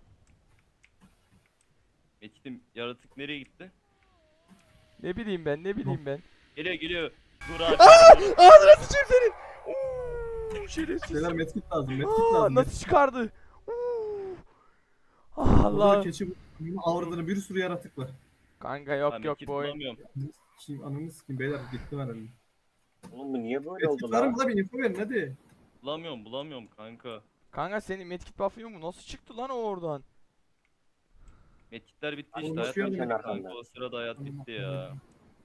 Speaker 3: Metin yaratık nereye gitti?
Speaker 1: Ne bileyim ben ne bileyim ben.
Speaker 3: Geliyor geliyor. Burak.
Speaker 1: Ağzına sıçayım senin. Uuu şerefsiz.
Speaker 4: Beyler medkit lazım medkit
Speaker 1: Aa,
Speaker 4: lazım.
Speaker 1: nasıl çıkardı? Uuu. Ah,
Speaker 4: Allah.
Speaker 1: Allah.
Speaker 4: Keçi bu. Avradını bir sürü yaratık var.
Speaker 1: Kanka yok
Speaker 3: Ben
Speaker 1: yok
Speaker 3: medkit
Speaker 1: bu oyun.
Speaker 3: bulamıyorum.
Speaker 4: Kim ananı sikeyim beyler gittim herhalde.
Speaker 2: Oğlum bu niye böyle oldu
Speaker 4: Medkit var
Speaker 2: lan?
Speaker 4: mı la bir info verin hadi.
Speaker 3: Bulamıyorum bulamıyorum kanka.
Speaker 1: Kanka senin medkit buff'ın yok mu? Nasıl çıktı lan o oradan?
Speaker 3: Metkitler bitti
Speaker 2: Ay,
Speaker 3: işte.
Speaker 4: boş
Speaker 3: Hayat
Speaker 4: verin
Speaker 3: bitti
Speaker 2: ben
Speaker 3: kanka.
Speaker 2: arkamda.
Speaker 3: O sırada hayat bitti ya.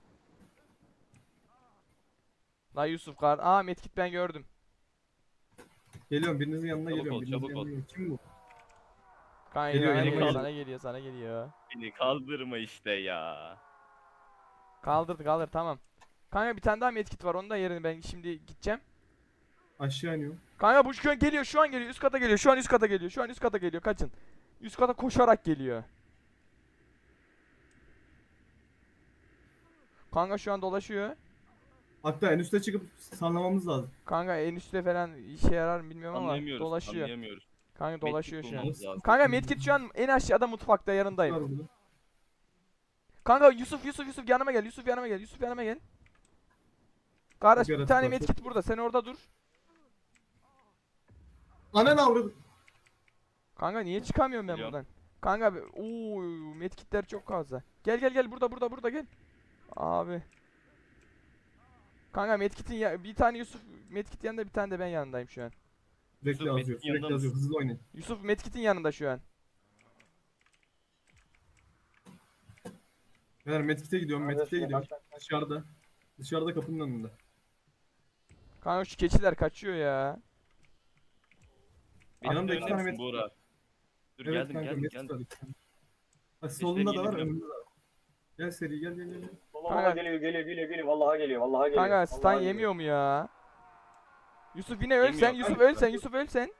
Speaker 1: La Yusuf kar. Aa medkit ben gördüm.
Speaker 4: Geliyorum birinizin yanına
Speaker 3: Çabuk
Speaker 4: geliyorum.
Speaker 3: ol,
Speaker 4: birinizin
Speaker 3: çabuk
Speaker 4: yanına
Speaker 3: ol.
Speaker 4: geliyorum. Kim bu?
Speaker 1: Kanka
Speaker 4: Geliyor,
Speaker 1: sana
Speaker 3: geliyor.
Speaker 1: geliyor, sana geliyor sana geliyor.
Speaker 3: Beni kaldırma işte ya.
Speaker 1: Kaldırdı kaldır tamam. Kanka bir tane daha medkit var onun da yerini ben şimdi gideceğim.
Speaker 4: Aşağı iniyorum.
Speaker 1: Kanka bu şu an geliyor şu an geliyor üst kata geliyor şu an üst kata geliyor şu an üst kata geliyor kaçın. Üst kata koşarak geliyor. Kanka şu an dolaşıyor.
Speaker 4: Hatta en üste çıkıp sanlamamız lazım.
Speaker 1: Kanka en üstte falan işe yarar mı bilmiyorum ama
Speaker 3: Anlayamıyoruz.
Speaker 1: dolaşıyor.
Speaker 3: Anlayamıyoruz.
Speaker 1: Kanka dolaşıyor
Speaker 3: Medkit
Speaker 1: şu an.
Speaker 3: bulmamız lazım.
Speaker 1: Kanka medkit şu an en aşağıda mutfakta yanındayım.
Speaker 4: Var burada.
Speaker 1: Kanka Yusuf Yusuf Yusuf yanıma gel Yusuf yanıma gel Yusuf yanıma gel. Kardeş
Speaker 4: Çok
Speaker 1: bir
Speaker 4: yaratık
Speaker 1: tane
Speaker 4: var,
Speaker 1: medkit burada sen orada dur.
Speaker 4: Anan avradı.
Speaker 1: Kanka niye çıkamıyorum ben
Speaker 3: Geliyorum.
Speaker 1: buradan? Kanka be- ooo medkitler çok fazla. Gel gel gel burada burada burada gel. Abi. Kanka medkitin ya bir tane Yusuf medkit yanında bir tane de ben yanındayım şu an.
Speaker 4: Sürekli
Speaker 3: Yusuf,
Speaker 4: yazıyor.
Speaker 3: Medkit'in yanında
Speaker 4: Sürekli yazıyor.
Speaker 3: mısın?
Speaker 4: Hızlı oynayın.
Speaker 1: Yusuf medkitin yanında şu an.
Speaker 4: Beyler medkite gidiyorum. Medkite
Speaker 2: Neredesin?
Speaker 4: gidiyorum.
Speaker 2: Bak, bak, bak.
Speaker 4: Dışarıda. Dışarıda kapının önünde.
Speaker 1: Kanka şu keçiler kaçıyor ya.
Speaker 3: Benim
Speaker 4: Yanımda
Speaker 3: de
Speaker 4: iki
Speaker 3: önüne
Speaker 4: tane
Speaker 3: misin
Speaker 4: medkit
Speaker 3: Burak? Dur
Speaker 4: Evet
Speaker 3: geldim
Speaker 4: kanka
Speaker 3: geldim
Speaker 4: Mesut
Speaker 3: geldim.
Speaker 4: var. iki tane. Bak solunda da var
Speaker 3: yeniliyorum.
Speaker 4: önünde de var. Gel seri gel gel gel. gel.
Speaker 2: Vallahi
Speaker 1: Kanka-
Speaker 2: geliyor geliyor geliyor geliyor. Vallahi geliyor. Vallahi geliyor.
Speaker 1: Kanka stun
Speaker 2: vallahi geliyor.
Speaker 1: yemiyor mu ya? Yusuf yine öl
Speaker 3: Yemiyor
Speaker 1: sen.
Speaker 3: kanka.
Speaker 1: Yusuf öl sen. Yusuf öl sen.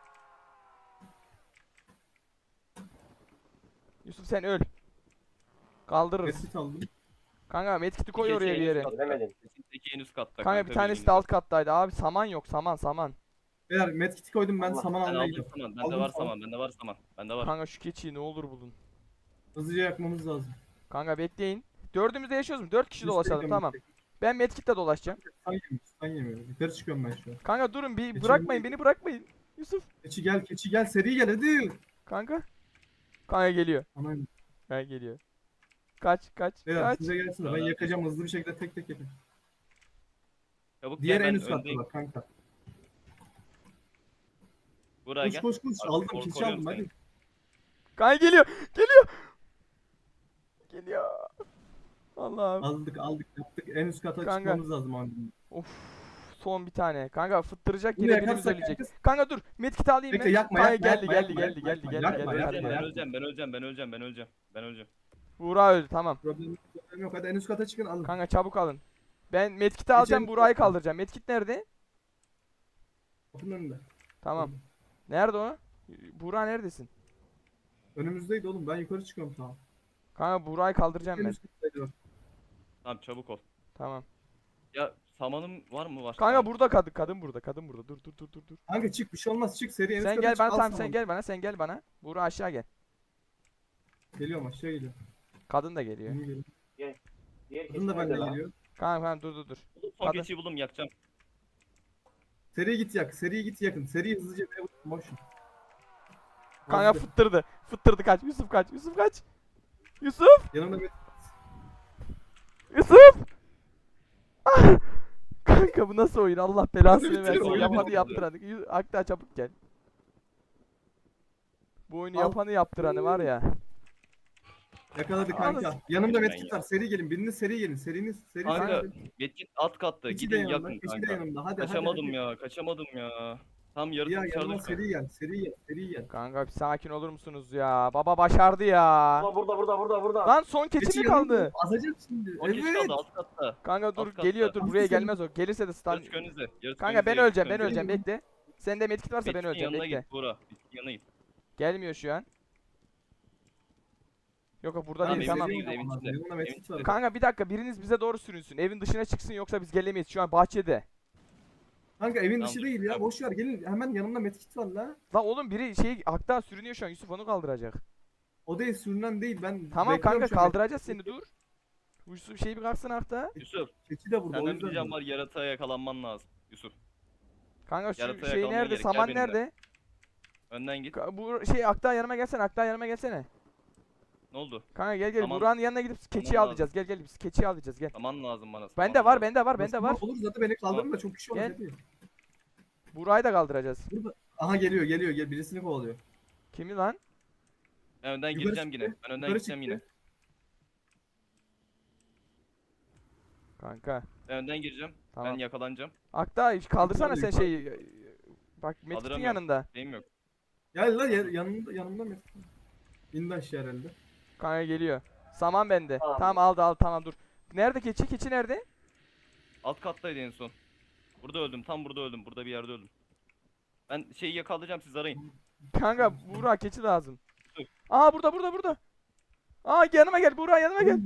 Speaker 1: Yusuf sen öl. Kaldırırız.
Speaker 4: Mesut aldım.
Speaker 1: Kanka medkit'i koy
Speaker 3: Keçi
Speaker 1: oraya
Speaker 3: en
Speaker 1: bir
Speaker 3: üst
Speaker 1: yere.
Speaker 3: katta.
Speaker 2: Göremedim.
Speaker 3: Keçi en üst katta
Speaker 1: Kanka bir
Speaker 3: bilginiz
Speaker 1: tanesi de
Speaker 3: olsun.
Speaker 1: alt kattaydı. Abi saman yok. Saman saman.
Speaker 4: Beyler medkit'i koydum ben
Speaker 2: Allah.
Speaker 4: saman
Speaker 3: Ben
Speaker 4: almaya
Speaker 3: aldım
Speaker 4: gidiyorum.
Speaker 3: saman. Bende
Speaker 4: Aldım
Speaker 3: var
Speaker 4: saman.
Speaker 3: saman. Bende var saman. Bende var.
Speaker 1: Kanka şu keçiyi ne olur bulun.
Speaker 4: Hızlıca yakmamız lazım.
Speaker 1: Kanka bekleyin. Dördümüz de yaşıyoruz mu? Dört kişi
Speaker 4: Biz
Speaker 1: dolaşalım
Speaker 4: tekrar
Speaker 1: tamam.
Speaker 4: gidecek.
Speaker 1: Ben medkit'le dolaşacağım.
Speaker 4: Stun yemiyor. Stun yemiyor. Yukarı çıkıyorum ben şu an.
Speaker 1: Kanka durun bir
Speaker 4: Keçi
Speaker 1: bırakmayın
Speaker 4: mi?
Speaker 1: beni bırakmayın. Yusuf.
Speaker 4: Keçi gel keçi gel seri gel hadi.
Speaker 1: Kanka. Kanka geliyor.
Speaker 4: Anam.
Speaker 1: Kanka geliyor. Kaç kaç
Speaker 4: Beyler
Speaker 1: kaç.
Speaker 4: size gelsin de ben
Speaker 3: Beraber.
Speaker 4: yakacağım hızlı bir şekilde tek tek yapayım.
Speaker 3: Çabuk
Speaker 4: Diğer
Speaker 3: gel
Speaker 4: en
Speaker 3: ben
Speaker 4: üst katta
Speaker 3: öndeyim.
Speaker 4: bak kanka.
Speaker 3: Buraya
Speaker 4: Koş
Speaker 3: gel.
Speaker 4: koş koş
Speaker 3: Artık
Speaker 4: aldım
Speaker 3: kor-
Speaker 4: keçi
Speaker 3: koruyorum
Speaker 4: aldım
Speaker 3: seni.
Speaker 4: hadi.
Speaker 1: Kanka geliyor. Geliyor. Geliyor. Allah'ım.
Speaker 4: Aldık aldık yaptık en üst kata
Speaker 1: Kanka.
Speaker 4: çıkmamız lazım abi.
Speaker 1: Of. Son bir tane. Kanka fıttıracak
Speaker 4: Bunu
Speaker 1: yine birimiz
Speaker 4: yakarsak
Speaker 1: ölecek.
Speaker 4: kanka-
Speaker 1: Kanka dur. Medkit alayım
Speaker 4: Bekle
Speaker 1: ben.
Speaker 4: yakma
Speaker 1: Kanka
Speaker 4: yakma
Speaker 1: geldi
Speaker 4: yakma,
Speaker 1: geldi
Speaker 4: yakma,
Speaker 1: geldi
Speaker 4: yakma,
Speaker 1: geldi geldi
Speaker 4: yakma,
Speaker 1: geldi.
Speaker 4: yakma,
Speaker 1: Hadi
Speaker 3: Ben
Speaker 1: gel.
Speaker 3: öleceğim, ben öleceğim, ben öleceğim, ben öleceğim, ben öleceğim.
Speaker 1: Buğra öldü tamam.
Speaker 4: Problem, yok, problem yok hadi en üst kata çıkın alın.
Speaker 1: Kanka çabuk alın. Ben medkit'i alacağım.
Speaker 4: Geçelim.
Speaker 1: Buğra'yı kaldıracağım. Medkit nerede?
Speaker 4: Kapının önünde.
Speaker 1: Tamam. Nerede o? Buğra neredesin?
Speaker 4: Önümüzdeydi oğlum ben yukarı çıkıyorum tamam.
Speaker 1: Kanka Buğra'yı kaldıracağım
Speaker 4: En
Speaker 1: ben.
Speaker 4: üst kattaydı bak.
Speaker 3: Tamam çabuk ol.
Speaker 1: Tamam.
Speaker 3: Ya samanım var mı? Var.
Speaker 1: Kanka
Speaker 3: Tamam.
Speaker 1: burada kadın. Kadın burada. Kadın burada. Dur dur dur dur dur.
Speaker 4: Kanka çık bir şey olmaz çık seri en üst
Speaker 1: Sen
Speaker 4: kata
Speaker 1: gel
Speaker 4: çık,
Speaker 1: bana
Speaker 4: al
Speaker 1: tamam sen
Speaker 4: samanı.
Speaker 1: gel bana. Sen gel bana. Buğra aşağı gel.
Speaker 4: Geliyorum aşağı geliyorum.
Speaker 1: Kadın da geliyor.
Speaker 4: Yeni geliyor.
Speaker 2: Diğer
Speaker 4: Kadın da
Speaker 2: keçi
Speaker 4: benden
Speaker 2: nerede lan?
Speaker 4: geliyor.
Speaker 1: Kanka kanka dur dur dur.
Speaker 3: Buldum, son
Speaker 1: Kadın.
Speaker 3: keçiyi buldum yakacağım.
Speaker 4: Seri git yak seri git yakın. Seri hızlıca bir vur, boş.
Speaker 1: Kanka
Speaker 4: Hadi.
Speaker 1: fıttırdı. Fıttırdı kaç. Yusuf kaç. Yusuf kaç. Yusuf.
Speaker 4: Yanımda bir
Speaker 1: Yusuf. Ah! Kanka bu nasıl oyun? Allah belasını
Speaker 4: Bitir,
Speaker 1: versin.
Speaker 4: oyunu
Speaker 1: Yapanı
Speaker 3: bitir.
Speaker 1: yaptıranı. Yu- Akta çabuk gel. Bu oyunu
Speaker 4: Al.
Speaker 1: yapanı yaptıranı var ya.
Speaker 4: yakaladı
Speaker 1: Anasını-
Speaker 4: kanka. Yanımda
Speaker 3: Ben
Speaker 4: medkit
Speaker 3: ya.
Speaker 4: var. Seri gelin. Biriniz seri gelin. Seriniz seri
Speaker 3: Kanka
Speaker 4: seri.
Speaker 3: Metin alt katta.
Speaker 4: Keçi de
Speaker 3: Gidin
Speaker 4: yanımda.
Speaker 3: yakın
Speaker 4: Keçi de
Speaker 3: kanka.
Speaker 4: yanımda. Hadi
Speaker 3: Kaçamadım
Speaker 4: hadi.
Speaker 3: ya, kaçamadım ya. Tam
Speaker 4: hadi.
Speaker 3: yarısı
Speaker 4: Ya
Speaker 3: dışarıda
Speaker 4: yanıma
Speaker 3: şu an.
Speaker 4: seri gel. Seri gel. Seri gel.
Speaker 1: Kanka bir sakin olur musunuz ya? Baba başardı ya.
Speaker 2: Burada burada burada burada burada.
Speaker 1: Lan son keçi mi kaldı?
Speaker 4: Azacak şimdi.
Speaker 3: O keçi
Speaker 4: Evet.
Speaker 3: kaldı alt katta.
Speaker 1: Kanka dur
Speaker 3: Alt katta.
Speaker 1: geliyor dur buraya
Speaker 4: Hangisi?
Speaker 1: gelmez o. Gelirse de stun.
Speaker 3: Yarısı önünüzde. Yarısı
Speaker 1: Kanka
Speaker 3: önünüzde,
Speaker 1: ben
Speaker 3: yarısı
Speaker 1: öleceğim ben
Speaker 3: önünüzde.
Speaker 1: öleceğim bekle. Sende medkit varsa ben
Speaker 3: Metin'in
Speaker 1: öleceğim
Speaker 3: yanına
Speaker 1: bekle.
Speaker 3: git Buğra. Metin'in yanına git.
Speaker 1: Gelmiyor şu an. Yok yok burada
Speaker 3: Tamam,
Speaker 1: değil
Speaker 3: evin
Speaker 1: tamam.
Speaker 3: içinde, evin içinde.
Speaker 4: Yanımda
Speaker 3: Evin
Speaker 4: medkit var.
Speaker 3: içinde.
Speaker 1: Kanka bir dakika biriniz bize doğru sürünsün. Evin dışına çıksın yoksa biz gelemeyiz. Şu an bahçede.
Speaker 4: Kanka evin
Speaker 3: Tamam,
Speaker 4: dışı
Speaker 3: dur,
Speaker 4: değil ya.
Speaker 3: tamam.
Speaker 4: Boş ver gelin. Hemen yanımda medkit var la.
Speaker 1: La oğlum biri şey aktan sürünüyor şu an. Yusuf onu kaldıracak.
Speaker 4: O değil sürünen değil. Ben
Speaker 1: Tamam
Speaker 4: bekliyorum
Speaker 1: kanka
Speaker 4: şu an.
Speaker 1: kaldıracağız seni dur. Yusuf şey bir kalksın akta.
Speaker 3: Yusuf,
Speaker 4: Keçi de burada. o
Speaker 3: senden
Speaker 4: yüzden
Speaker 3: diyeceğim
Speaker 4: diyorum.
Speaker 3: var yaratığa yakalanman lazım. Yusuf,
Speaker 1: Kanka şu
Speaker 3: Yaratığa
Speaker 1: şey
Speaker 3: yakalanman
Speaker 1: nerede?
Speaker 3: gerek. Gel
Speaker 1: Saman
Speaker 3: benimle.
Speaker 1: nerede?
Speaker 3: önden git.
Speaker 1: Ka- Bu şey akta yanıma gelsene. Akta yanıma gelsene.
Speaker 3: Ne oldu?
Speaker 1: Kanka gel gel.
Speaker 3: Tamam.
Speaker 1: Buranın yanına gidip keçiyi
Speaker 3: lazım.
Speaker 1: alacağız. Gel gel biz keçiyi alacağız gel.
Speaker 3: Saman lazım bana. saman
Speaker 1: Bende var,
Speaker 3: lazım.
Speaker 1: bende var, bende
Speaker 4: Nasıl
Speaker 1: var.
Speaker 4: Olur zaten beni kaldırın da çok kişi olur.
Speaker 1: Gel.
Speaker 4: Hadi.
Speaker 1: Burayı da kaldıracağız.
Speaker 4: Burada. Aha geliyor geliyor. Gel birisini kovalıyor.
Speaker 1: Kimi lan?
Speaker 3: Ben önden
Speaker 4: Yukarı
Speaker 3: gireceğim
Speaker 4: çıktı,
Speaker 3: yine. Ben önden
Speaker 4: yukarı
Speaker 3: gideceğim
Speaker 4: çıktı.
Speaker 3: yine.
Speaker 1: Kanka.
Speaker 3: Ben önden gireceğim.
Speaker 1: Tamam.
Speaker 3: Ben yakalanacağım.
Speaker 1: Akta hiç kaldırsana
Speaker 4: Yukarı,
Speaker 1: sen
Speaker 4: yukarı.
Speaker 1: şeyi. Bak Metin
Speaker 3: Kaldıramıyorum.
Speaker 1: yanında.
Speaker 3: Şeyim yok.
Speaker 4: Gel lan ya- yanımda yanımda medkit. İndi aşağı herhalde.
Speaker 1: Kanka geliyor. Saman bende.
Speaker 2: Tamam.
Speaker 1: Tamam aldı aldı tamam dur. Nerede keçi? Keçi nerede?
Speaker 3: Alt kattaydı en son. Burada öldüm. Tam burada öldüm. Burada bir yerde öldüm. Ben şeyi yakalayacağım, siz arayın.
Speaker 1: Kanka Buğra keçi lazım.
Speaker 3: Dur.
Speaker 1: Aa burada burada burada. Aa yanıma gel Buğra yanıma gel.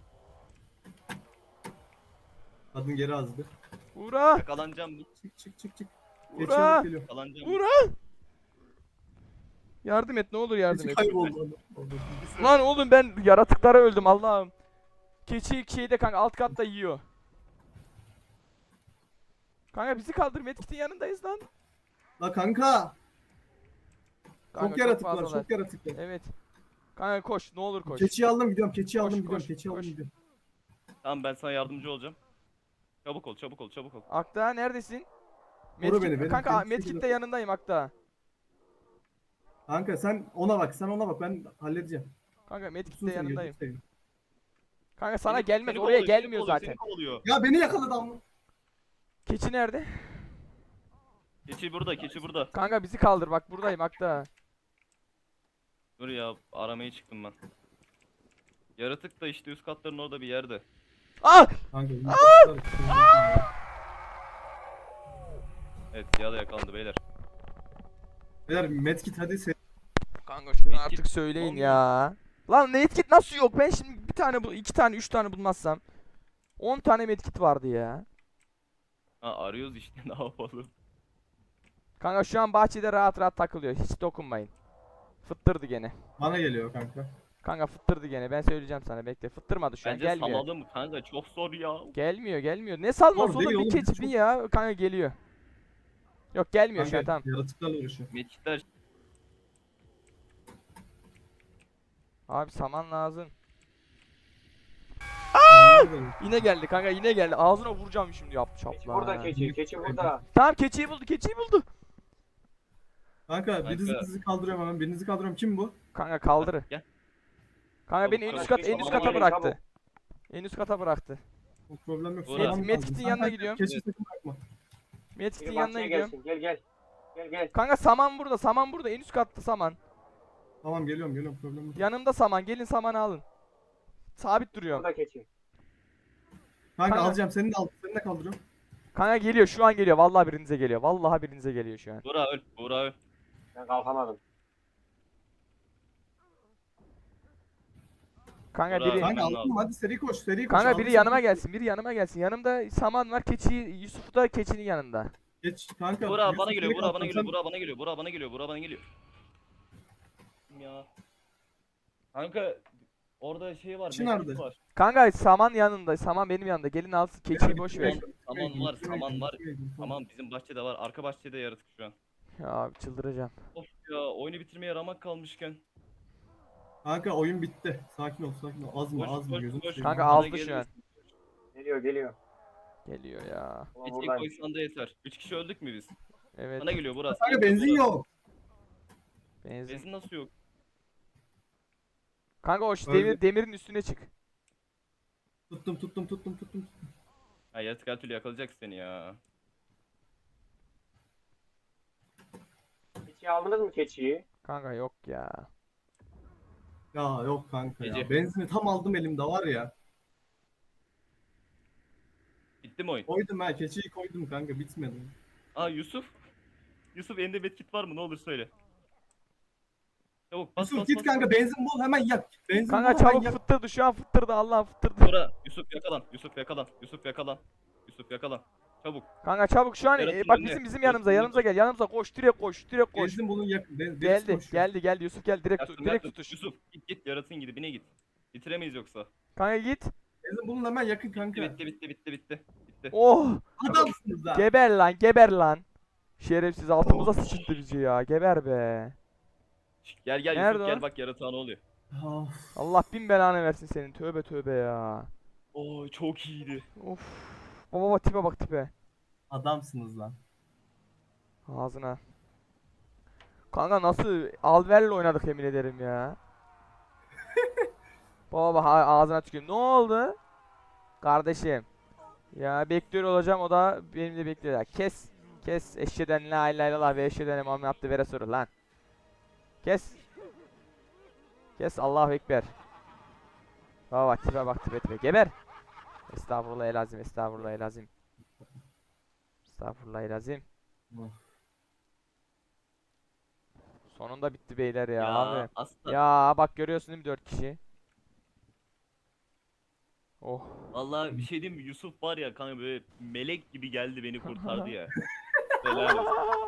Speaker 4: Kadın geri azdı.
Speaker 1: Buğra.
Speaker 3: Yakalanacağım.
Speaker 4: Çık çık çık çık. Keçi
Speaker 1: Buğra.
Speaker 4: alıp geliyor.
Speaker 3: Yakalanacağım.
Speaker 1: Buğra. Yardım et ne olur yardım
Speaker 4: Keçi
Speaker 1: et.
Speaker 4: kayboldu.
Speaker 1: Lan oğlum ben yaratıklara öldüm Allah'ım. Keçi şeyde kanka alt katta yiyor. Kanka bizi kaldır Medkit'in yanındayız lan.
Speaker 4: La kanka.
Speaker 1: Kanka,
Speaker 4: Çok yaratık var.
Speaker 1: fazlalar.
Speaker 4: Çok yaratık var.
Speaker 1: Evet. Kanka koş ne olur koş.
Speaker 4: Keçiyi aldım gidiyorum. Keçiyi
Speaker 1: Koş,
Speaker 4: aldım gidiyorum.
Speaker 1: koş,
Speaker 4: Keçiyi aldım
Speaker 1: koş.
Speaker 4: gidiyorum.
Speaker 3: Tamam, ben sana yardımcı olacağım. Çabuk ol, çabuk ol, çabuk ol.
Speaker 1: Akta neredesin?
Speaker 4: Koru beni, benim
Speaker 1: kanka
Speaker 4: kendisi
Speaker 1: Medkit'te
Speaker 4: burada.
Speaker 1: yanındayım Akta.
Speaker 4: Kanka sen ona bak. Sen ona bak. Ben halledeceğim.
Speaker 1: Kanka
Speaker 4: Tutsun
Speaker 1: Medkit'te
Speaker 4: seni,
Speaker 1: yanındayım.
Speaker 4: gözünü seveyim.
Speaker 1: Kanka sana
Speaker 3: Seni-
Speaker 1: gelmez
Speaker 3: seni
Speaker 1: oraya
Speaker 3: kovalıyor, seni
Speaker 1: gelmiyor
Speaker 3: kovalıyor,
Speaker 1: zaten.
Speaker 3: Seni kovalıyor.
Speaker 4: Ya beni yakaladı ama.
Speaker 1: Keçi nerede?
Speaker 3: Keçi burada, keçi burada.
Speaker 1: Kanka bizi kaldır bak buradayım Akta.
Speaker 3: Dur ya aramaya çıktım ben. Yaratık da işte üst katların orada bir yerde.
Speaker 1: Ah!
Speaker 4: Kanka yumurtalar.
Speaker 3: Evet ya da yakalandı beyler.
Speaker 4: Beyler medkit hadi sen.
Speaker 1: Kanka şunu
Speaker 3: Medkit
Speaker 1: artık söyleyin
Speaker 3: olmuyor.
Speaker 1: ya. Lan medkit nasıl yok? Ben şimdi bir tane bu iki tane üç tane bulmazsam on tane medkit vardı ya.
Speaker 3: Ha arıyoruz işte ne yapalım.
Speaker 1: Kanka şu an bahçede rahat rahat takılıyor. Hiç dokunmayın. Fıttırdı gene.
Speaker 4: Bana geliyor kanka.
Speaker 1: Kanka fıttırdı gene. Ben söyleyeceğim sana bekle. Fıttırmadı şu an.
Speaker 3: Bence
Speaker 1: Gelmiyor.
Speaker 3: salalım kanka çok zor ya.
Speaker 1: Gelmiyor gelmiyor. Ne salması
Speaker 4: Zor değil
Speaker 1: oğlum bir
Speaker 4: oğlum,
Speaker 1: keçi
Speaker 4: çok-
Speaker 1: bir ya. Kanka geliyor. Yok gelmiyor şu an
Speaker 4: Kanka
Speaker 1: tamam.
Speaker 4: yaratıklarla uğraşıyor.
Speaker 3: Medkitler
Speaker 1: Abi saman lazım.
Speaker 4: Aa!
Speaker 1: Yine geldi kanka yine geldi. Ağzına vuracağım şimdi yap
Speaker 2: Keçi
Speaker 1: çapla.
Speaker 2: burada keçi. Keçi burada.
Speaker 1: Tamam keçiyi buldu keçiyi buldu.
Speaker 4: Kanka birinizi
Speaker 3: Kanka.
Speaker 4: bizi kaldırıyorum hemen. Birinizi kaldırıyorum. Kim bu?
Speaker 1: Kanka kaldır.
Speaker 3: gel.
Speaker 1: Kanka beni en
Speaker 3: Çabuk,
Speaker 1: üst
Speaker 2: çabuk,
Speaker 1: kat en üst
Speaker 2: çabuk,
Speaker 1: kata
Speaker 2: çabuk,
Speaker 1: bıraktı.
Speaker 2: çabuk.
Speaker 1: En üst kata bıraktı.
Speaker 4: O problem yok.
Speaker 3: Uğra.
Speaker 4: Saman
Speaker 1: Med-
Speaker 4: lazım.
Speaker 1: Medkit'in
Speaker 4: Kanka,
Speaker 1: yanına gidiyorum.
Speaker 4: Keçi sakın bırakma.
Speaker 1: Medkit'in
Speaker 2: Biri
Speaker 1: yanına
Speaker 2: bahçeye
Speaker 1: gidiyorum.
Speaker 2: gelsin. Gel gel. Gel gel.
Speaker 1: Kanka saman burada saman burada en üst katta saman.
Speaker 4: Tamam geliyorum geliyorum problem yok.
Speaker 1: Yanımda saman gelin samanı alın. Sabit duruyorum.
Speaker 2: Burada keçi.
Speaker 4: Kanka
Speaker 1: Kanka.
Speaker 4: alacağım seni de al. Seni de kaldırıyorum.
Speaker 1: Kanka geliyor şu an geliyor. Vallahi birinize geliyor. Vallahi birinize geliyor şu an.
Speaker 3: Buğra öl. Buğra öl.
Speaker 2: Ben kalkamadım.
Speaker 1: Kanka
Speaker 3: Bravo.
Speaker 1: biri
Speaker 4: Kanka
Speaker 3: Hemen
Speaker 4: aldım hadi seri koş seri koş.
Speaker 1: Kanka
Speaker 4: Aldım
Speaker 1: biri
Speaker 4: seni.
Speaker 1: yanıma gelsin. Biri yanıma gelsin. Yanımda saman var. Keçi Yusuf da keçinin yanında.
Speaker 4: Geç kanka.
Speaker 3: Buğra
Speaker 4: Yusuf
Speaker 3: bana geliyor.
Speaker 4: seni
Speaker 3: Buğra bana
Speaker 4: kaldırdım.
Speaker 3: geliyor.
Speaker 4: Sen-
Speaker 3: Buğra bana geliyor. Buğra bana geliyor. Buğra bana geliyor. Ya. Kanka orada şey var.
Speaker 4: Keçi
Speaker 3: medkit
Speaker 4: nerede?
Speaker 3: var.
Speaker 1: Kanka saman yanında. Saman benim yanımda. Gelin alsın. Keçiyi boş ver.
Speaker 3: Saman var, saman var. Tamam bizim bahçede var. Arka bahçede yaratık şu an.
Speaker 1: Ya abi çıldıracağım.
Speaker 3: Of ya oyunu bitirmeye ramak kalmışken.
Speaker 4: Kanka oyun bitti. Sakin ol sakin ol. Az mı
Speaker 3: Koş,
Speaker 4: az mı
Speaker 3: koş,
Speaker 4: gözünü
Speaker 3: koş.
Speaker 4: seveyim.
Speaker 1: Kanka
Speaker 3: Bana
Speaker 1: aldı şu
Speaker 3: gelmesin.
Speaker 1: an.
Speaker 2: Geliyor geliyor.
Speaker 1: Geliyor ya.
Speaker 2: Ulan
Speaker 3: Keçiyi
Speaker 2: buradayım.
Speaker 3: koysan da yeter. Üç kişi öldük mü biz?
Speaker 1: Evet.
Speaker 3: Bana geliyor burası.
Speaker 4: Kanka benzin yok.
Speaker 1: Benzin.
Speaker 3: Benzin nasıl yok?
Speaker 1: Kanka o şu
Speaker 4: Öldü.
Speaker 1: demir, demirin üstüne çık.
Speaker 4: Tuttum tuttum tuttum tuttum.
Speaker 3: Ha yaratık her türlü yakalayacak seni ya.
Speaker 2: Keçiyi aldınız mı keçiyi?
Speaker 1: Kanka yok ya.
Speaker 4: Ya yok kanka ya.
Speaker 3: Gece.
Speaker 4: Benzini tam aldım elimde var ya.
Speaker 3: Bitti mi oyun?
Speaker 4: Koydum ha keçiyi koydum kanka bitmedi.
Speaker 3: Aa Yusuf. Yusuf elinde medkit var mı? Ne olur söyle. Çabuk bas
Speaker 4: Yusuf
Speaker 3: bas
Speaker 4: git
Speaker 3: bas.
Speaker 4: kanka benzin bul hemen yak. Benzin
Speaker 1: Kanka
Speaker 4: bul hemen
Speaker 1: çabuk
Speaker 4: yak.
Speaker 1: fıttırdı şu an fıttırdı Allah'ım fıttırdı.
Speaker 3: Bura Yusuf yakalan. Yusuf yakalan. Yusuf yakalan. Yusuf yakalan. Çabuk.
Speaker 1: Kanka çabuk şu an
Speaker 3: Yaratın
Speaker 1: e, bak
Speaker 3: önüne.
Speaker 1: bizim bizim
Speaker 3: Yaratın
Speaker 1: yanımıza
Speaker 3: önüne.
Speaker 1: yanımıza gel yanımıza koş direkt koş direkt koş.
Speaker 4: Benzin bulun yak. Ben, birisi
Speaker 1: Geldi
Speaker 4: koşuyor.
Speaker 1: geldi geldi Yusuf gel direkt tut,
Speaker 3: Yaktım
Speaker 1: direkt
Speaker 3: yaktım.
Speaker 1: tutuş.
Speaker 3: Yusuf git git yaratın gidibine git. Bitiremeyiz yoksa.
Speaker 1: Kanka git.
Speaker 4: Benzin bulun hemen yakın kanka.
Speaker 3: Bitti bitti bitti bitti. Bitti.
Speaker 1: Oh
Speaker 4: Adamsınız ha.
Speaker 1: geber lan geber lan. Şerefsiz altımıza sıçıttı bizi ya geber be.
Speaker 3: Şş, Gel gel
Speaker 1: Nerede
Speaker 3: Yusuf
Speaker 1: o?
Speaker 3: gel bak yaratığa ne oluyor.
Speaker 4: Of.
Speaker 1: Allah bin belanı versin senin tövbe tövbe ya.
Speaker 3: Oo çok iyiydi.
Speaker 1: Of. Baba baba tipe bak tipe.
Speaker 4: Adamsınız lan.
Speaker 1: Ağzına. Kanka nasıl alverle oynadık yemin ederim ya. Baba baba ha- ağzına tüküreyim. Ne oldu? Kardeşim. Ya bekliyor olacağım o da benimle bekliyor ya. Kes. Kes. Eşheden la ilahe illallah ve eşheden Muhammed abdü ve resulü lan. Kes. Kes Allahu ekber. Baba bak tipe bak tipe tipe. Geber. Estağfurullah elazim. Estağfurullah elazim. Estağfurullah elazim.
Speaker 4: Of.
Speaker 1: Sonunda bitti beyler ya, abi.
Speaker 3: aslan.
Speaker 1: Ya bak görüyorsun değil mi dört kişi? Oh.
Speaker 3: Vallahi bir şey diyeyim mi? Yusuf var ya kanka böyle melek gibi geldi beni kurtardı ya. Helal olsun.